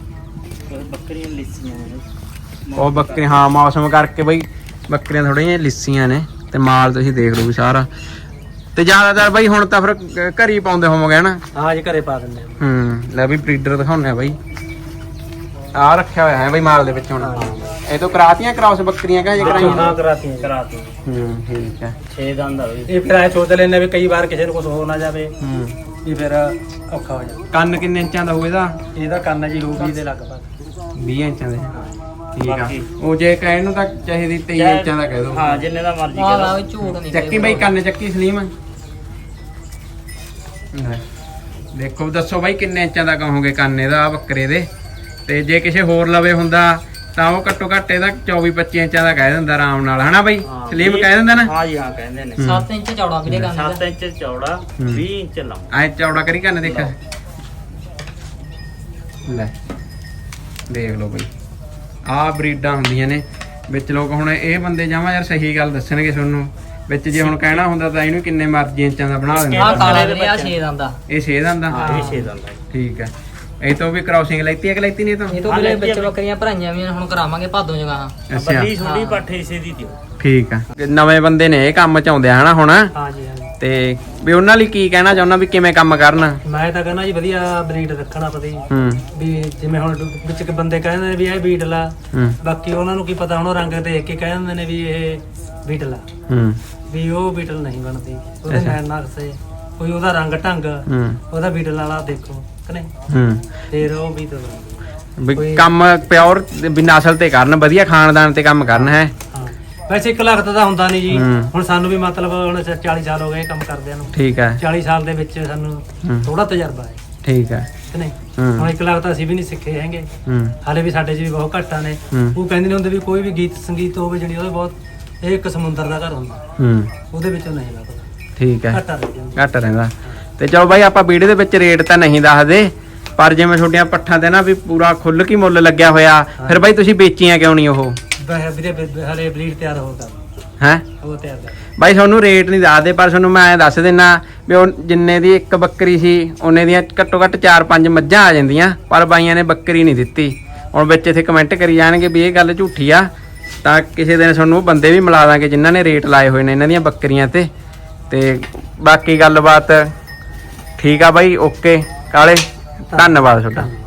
D: ਬੱਕਰੀਆਂ ਲਿੱਸੀਆਂ ਨੇ।
A: ਉਹ ਬੱਕਰੀ ਹਾਂ ਮੌਸਮ ਕਰਕੇ ਬਈ ਬੱਕਰੀਆਂ ਥੋੜੀਆਂ ਜਿਹੀਆਂ ਲਿੱਸੀਆਂ ਨੇ ਤੇ ਮਾਲ ਤੁਸੀਂ ਦੇਖ ਲਓ ਵੀ ਸਾਰਾ। ਤੇ ਜ਼ਿਆਦਾਤਰ ਬਾਈ ਹੁਣ ਤਾਂ ਫਿਰ ਘਰ ਹੀ ਪਾਉਂਦੇ ਹੋਵੋਗੇ ਹਨਾ?
B: ਹਾਂ ਜੀ ਘਰੇ ਪਾ ਦਿੰਦੇ ਆ।
A: ਹੂੰ ਲੈ ਵੀ ਬਰੀਡਰ ਦਿਖਾਉਂਦੇ ਆ ਬਾਈ। ਆ ਰੱਖਿਆ ਹੋਇਆ ਹੈ ਬਾਈ ਮਾਲ ਦੇ ਵਿੱਚ ਹੁਣ। ਇਹ ਤੋਂ ਕਰਾਤੀਆਂ ਕ੍ਰਾਸ ਬੱਕਰੀਆਂ ਕਾ ਜੇ ਕਰਾਈਆਂ?
B: ਹਾਂ ਕਰਾਤੀਆਂ
D: ਕਰਾਤੀ
A: ਹੂੰ ਠੀਕ ਹੈ।
D: ਛੇ ਦੰਦ ਆ ਬਈ।
B: ਇਹ ਫਿਰ ਐ ਸੋਚ ਲੈਂਦੇ ਵੀ ਕਈ ਵਾਰ ਕਿਸੇ ਨੂੰ ਕੁਝ ਹੋ ਨਾ ਜਾਵੇ
A: ਹੂੰ
B: ਵੀ ਫਿਰ ਔਖਾ ਹੋ ਜਾਂਦਾ।
A: ਕੰਨ ਕਿੰਨੇ ਇੰਚਾਂ ਦਾ ਹੋਊ ਇਹਦਾ?
B: ਇਹਦਾ ਕੰਨ ਜੀ ਹੋਊ ਵੀਹ ਦੇ ਲਗਭਗ।
A: ਵੀਹ ਇੰਚਾਂ ਦੇ। ਠੀਕ ਆ।
D: ਬਾਕੀ-
A: ਉਹ ਜੇ ਕਹਿਣ ਨੂੰ ਤਾਂ ਚਾਹੀਦੀ ਤੇਈ ਇੰਚਾਂ ਦਾ ਕਹਿ ਦੋ।
D: ਹਾਂ ਜਿੰਨੇ ਦਾ ਮਰਜ਼ੀ
C: ਆਹ
D: ਕਰ
C: ਲਾ ਝੂਠ ਨਹੀਂ
A: ਚੱਕੀ ਬਾਈ ਕੰਨ ਚੱਕੀ ਸਲੀਮ। ਲੈ, ਦੇਖੋ ਦੱਸੋ ਬਾਈ ਕਿੰਨੇ ਇੰਚਾਂ ਦਾ ਕਹੋਗੇ ਕੰਨ ਇਹਦਾ ਬੱਕਰੇ ਦੇ? ਤੇ ਜੇ ਕਿਸੇ ਹੋਰ ਲਵੇ ਹੁੰਦਾ ਤਾਂ ਉਹ ਘੱਟੋ ਘੱਟ ਇਹਦਾ ਚੌਵੀ ਪੱਚੀ ਇੰਚਾਂ ਦਾ ਕਹਿ ਦਿੰਦਾ ਆਰਾਮ ਨਾਲ ਹਨਾ ਬਾਈ?
D: ਹਾਂ,
A: ਸਲੀਮ
D: ਵੀਹ-
A: ਕਹਿ ਦਿੰਦਾ ਨਾ?
D: ਹਾਂ ਜੀ ਹਾਂ ਕਹਿੰਦੇ ਨੇ।
C: ਸੱਤ ਇੰਚ ਚੌੜਾ ਵੀਰੇ ਕੰਨ
D: ਸੱਤ
C: ਦਾ।
D: ਇੰਚ ਚੌੜਾ
A: ਹੂੰ।
D: ਵੀਹ ਇੰਚ ਲੰਮਾ।
A: ਐ ਚੌੜਾ ਕਰੀ ਕੰਨ ਦੇਖ। ਲੈ ਦੇਖ ਲਓ ਬਾਈ ਆਹ ਬਰੀਡਾਂ ਹੁੰਦੀਆਂ ਨੇ ਵਿੱਚ। ਲੋਕ ਹੁਣ ਇਹ ਬੰਦੇ ਜਾਵਾਂ ਯਾਰ ਸਹੀ ਗੱਲ ਦੱਸਣਗੇ ਤੁਹਾਨੂੰ ਵਿੱਚ। ਜੇ ਹੁਣ ਕਹਿਣਾ ਹੁੰਦਾ ਤਾਂ ਇਹਨੂੰ ਕਿੰਨੇ ਮਰਜ਼ੀ ਇੰਚਾਂ ਦਾ ਬਣਾ ਦਿੰਦੇ।
C: ਆਹ ਕਾਲਾ ਵੀਰੇ ਆ ਛੇ ਦੰਦ ਦਾ।
A: ਇਹ ਛੇ ਦੰਦ
D: ਹਾਂ
A: ਦਾ?
D: ਇਹ ਛੇ ਦੰਦ ਆ ਜੀ।
A: ਠੀਕ ਹੈ। ਇਹ ਤੋਂ ਵੀ ਕ੍ਰਾਸਿੰਗ ਲੈਤੀ ਹੈ ਕਿ ਲੈਤੀ ਨਹੀਂ? ਤਾਂ
C: ਇਹ ਤੋਂ ਵੀਰੇ ਵਿੱਚ ਬੱਕਰੀਆਂ ਭਰਾਈਆਂ ਵੀ ਹੁਣ ਕਰਾਵਾਂਗੇ ਭਾਦੋਂ ਜਗ੍ਹਾ।
A: ਅੱਛਾ
D: ਬੱਲੀ ਛੋਟੀ ਪੱਠੇ ਇਸੇ ਦੀ ਦਿਓ।
A: ਠੀਕ ਆ। ਨਵੇਂ ਬੰਦੇ ਨੇ ਇਹ ਕੰਮ ਚ ਆਉਂਦੇ ਆ ਹਨਾ ਹੁਣ?
B: ਹਾਂ ਜੀ ਹਾਂ ਜੀ।
A: ਤੇ ਵੀ ਉਹਨਾਂ ਲਈ ਕੀ ਕਹਿਣਾ ਚਾਹੁੰਦਾ ਵੀ ਕਿਵੇਂ ਕੰਮ ਕਰਨ?
B: ਮੈਂ ਤਾਂ ਕਹਿੰਦਾ ਜੀ ਵਧੀਆ ਬਰੀਡ ਰੱਖਣਾ ਪਤਾ ਜੀ।
A: ਹੂੰ
B: ਵੀ ਜਿਵੇਂ ਹੁਣ ਵਿੱਚ ਕੇ ਬੰਦੇ ਕਹਿੰਦੇ ਨੇ ਵੀ ਇਹ ਬੀਟਲ ਆ,
A: ਹੂੰ
B: ਬਾਕੀ ਉਹਨਾਂ ਨੂੰ ਕੀ ਪਤਾ ਹੁਣ ਉਹ ਰੰਗ ਦੇਖ ਕੇ ਕਹਿ ਦਿੰਦੇ ਨੇ ਵੀ ਇਹ ਬੀਟਲ ਆ,
A: ਹੂੰ
B: ਵੀ ਉਹ ਬੀਟਲ ਨਹੀਂ ਬਣਦੀ। ਉਹਦੇ
A: ਅੱਛਾ।
B: ਨੈਣ ਨਕਸ਼ੇ ਕੋਈ ਉਹਦਾ ਰੰਗ ਢੰਗ
A: ਹੂੰ
B: ਉਹਦਾ ਬੀਟਲ ਵਾਲਾ ਦੇਖੋ ਕਿ ਨਹੀਂ,
A: ਹੂੰ
B: ਫਿਰ ਉਹ ਬੀਟਲ ਬਣਦੀ।
A: ਵੀ
B: ਕੋਈ-
A: ਕੰਮ ਪਿਓਰ ਵੀ ਨਸਲ ਤੇ ਕਰਨ, ਵਧੀਆ ਖਾਨਦਾਨ ਤੇ ਕੰਮ ਕਰਨ ਹੈ।
B: ਹਾਂ ਵੈਸੇ ਇੱਕ ਲੱਖ ਦਾ ਤਾਂ ਹੁੰਦਾ ਨਹੀਂ ਜੀ।
A: ਹੂੰ।
B: ਹੁਣ ਸਾਨੂੰ ਵੀ ਮਤਲਬ ਹੁਣ ਚਾਲੀ ਸਾਲ ਹੋ ਗਏ ਇਹ ਕੰਮ ਕਰਦਿਆਂ ਨੂੰ।
A: ਠੀਕ ਹੈ।
B: ਚਾਲੀ ਸਾਲ ਦੇ ਵਿੱਚ ਸਾਨੂੰ
A: ਹੂੰ।
B: ਥੋੜਾ ਤਜਰਬਾ ਹੈ
A: ਠੀਕ ਹੈ।
B: ਕਿ ਨਹੀਂ।
A: ਹੂੰ।
B: ਹੁਣ ਇੱਕ ਲੱਖ ਤਾਂ ਅਸੀਂ ਵੀ ਨਹੀਂ ਸਿੱਖੇ ਹੈਗੇ,
A: ਹੂੰ
B: ਹਾਲੇ ਵੀ ਸਾਡੇ 'ਚ ਵੀ ਬਹੁਤ ਘਾਟਾਂ ਨੇ।
A: ਹੂੰ।
B: ਉਹ ਕਹਿੰਦੇ ਨੇ ਹੁੰਦੇ ਵੀ ਕੋਈ ਵੀ ਗੀਤ ਸੰਗੀਤ ਹੋਵੇ ਜਿਹੜੀ ਉਹਦੇ ਬਹੁਤ, ਇਹ ਇੱਕ ਸਮੁੰਦਰ ਦਾ ਘਰ ਹੁੰਦਾ,
A: ਹੂੰ
B: ਉਹਦੇ ਵਿੱਚੋਂ ਨਹੀਂ ਲੱਗਦਾ,
A: ਠੀਕ ਹੈ।
B: ਘਾਟਾ ਰਹਿ ਜਾਂਦਾ।
A: ਘੱਟ ਰਹਿੰਦਾ। ਤੇ ਚਲੋ ਬਾਈ ਆਪਾਂ ਵੀਡੀਓ ਦੇ ਵਿੱਚ ਰੇਟ ਤਾਂ ਨਹੀਂ ਦੱਸਦੇ, ਪਰ ਜਿਵੇਂ ਛੋਟੀਆਂ ਪੱਠਾਂ ਤੇ ਨਾ ਵੀ ਪੂਰਾ ਖੁੱਲ ਕੇ ਮੁੱਲ ਲੱਗਿਆ ਹੋਇਆ, ਫਿਰ ਬਾਈ ਤੁਸੀਂ ਵੇਚੀਆਂ ਕਿਉਂ ਨਹੀਂ ਉਹ?
B: ਵੈਸੇ ਵੀਰੇ ਬ- ਹਲੇ ਬਲੀਡ ਤਿਆਰ ਹੋ ਕਰ
A: ਹੈ
B: ਉਹ ਤਿਆਰ ਕਰ
A: ਬਾਈ ਤੁਹਾਨੂੰ ਰੇਟ ਨਹੀਂ ਦੱਸਦੇ, ਪਰ ਤੁਹਾਨੂੰ ਮੈਂ ਐਂ ਦੱਸ ਦਿੰਨਾ ਵੀ ਉਹ ਜਿੰਨੇ ਦੀ ਇੱਕ ਬੱਕਰੀ ਸੀ ਉਹਨੇ ਦੀਆਂ ਘੱਟੋ ਘੱਟ ਚਾਰ ਪੰਜ ਮੱਝਾਂ ਆ ਜਾਂਦੀਆਂ, ਪਰ ਬਾਈਆਂ ਨੇ ਬੱਕਰੀ ਨਹੀਂ ਦਿੱਤੀ। ਹੁਣ ਵਿੱਚ ਇੱਥੇ ਕਮੈਂਟ ਕਰੀ ਜਾਣਗੇ ਵੀ ਇਹ ਗੱਲ ਝੂਠੀ ਆ, ਤਾਂ ਕਿਸੇ ਦਿਨ ਤੁਹਾਨੂੰ ਉਹ ਬੰਦੇ ਵੀ ਮਿਲਾ ਦਾਂਗੇ ਜਿਨ੍ਹਾਂ ਨੇ ਰੇਟ ਲਾਏ ਹੋਏ ਨੇ ਇਹਨਾਂ ਦੀਆਂ ਬੱਕਰੀਆਂ ਤੇ। ਤੇ ਬਾਕੀ ਗੱਲਬਾਤ ਠੀਕ ਆ ਬਾਈ, ਓਕੇ ਕਾਲੇ, ਧੰਨਵਾਦ ਤੁਹਾਡਾ।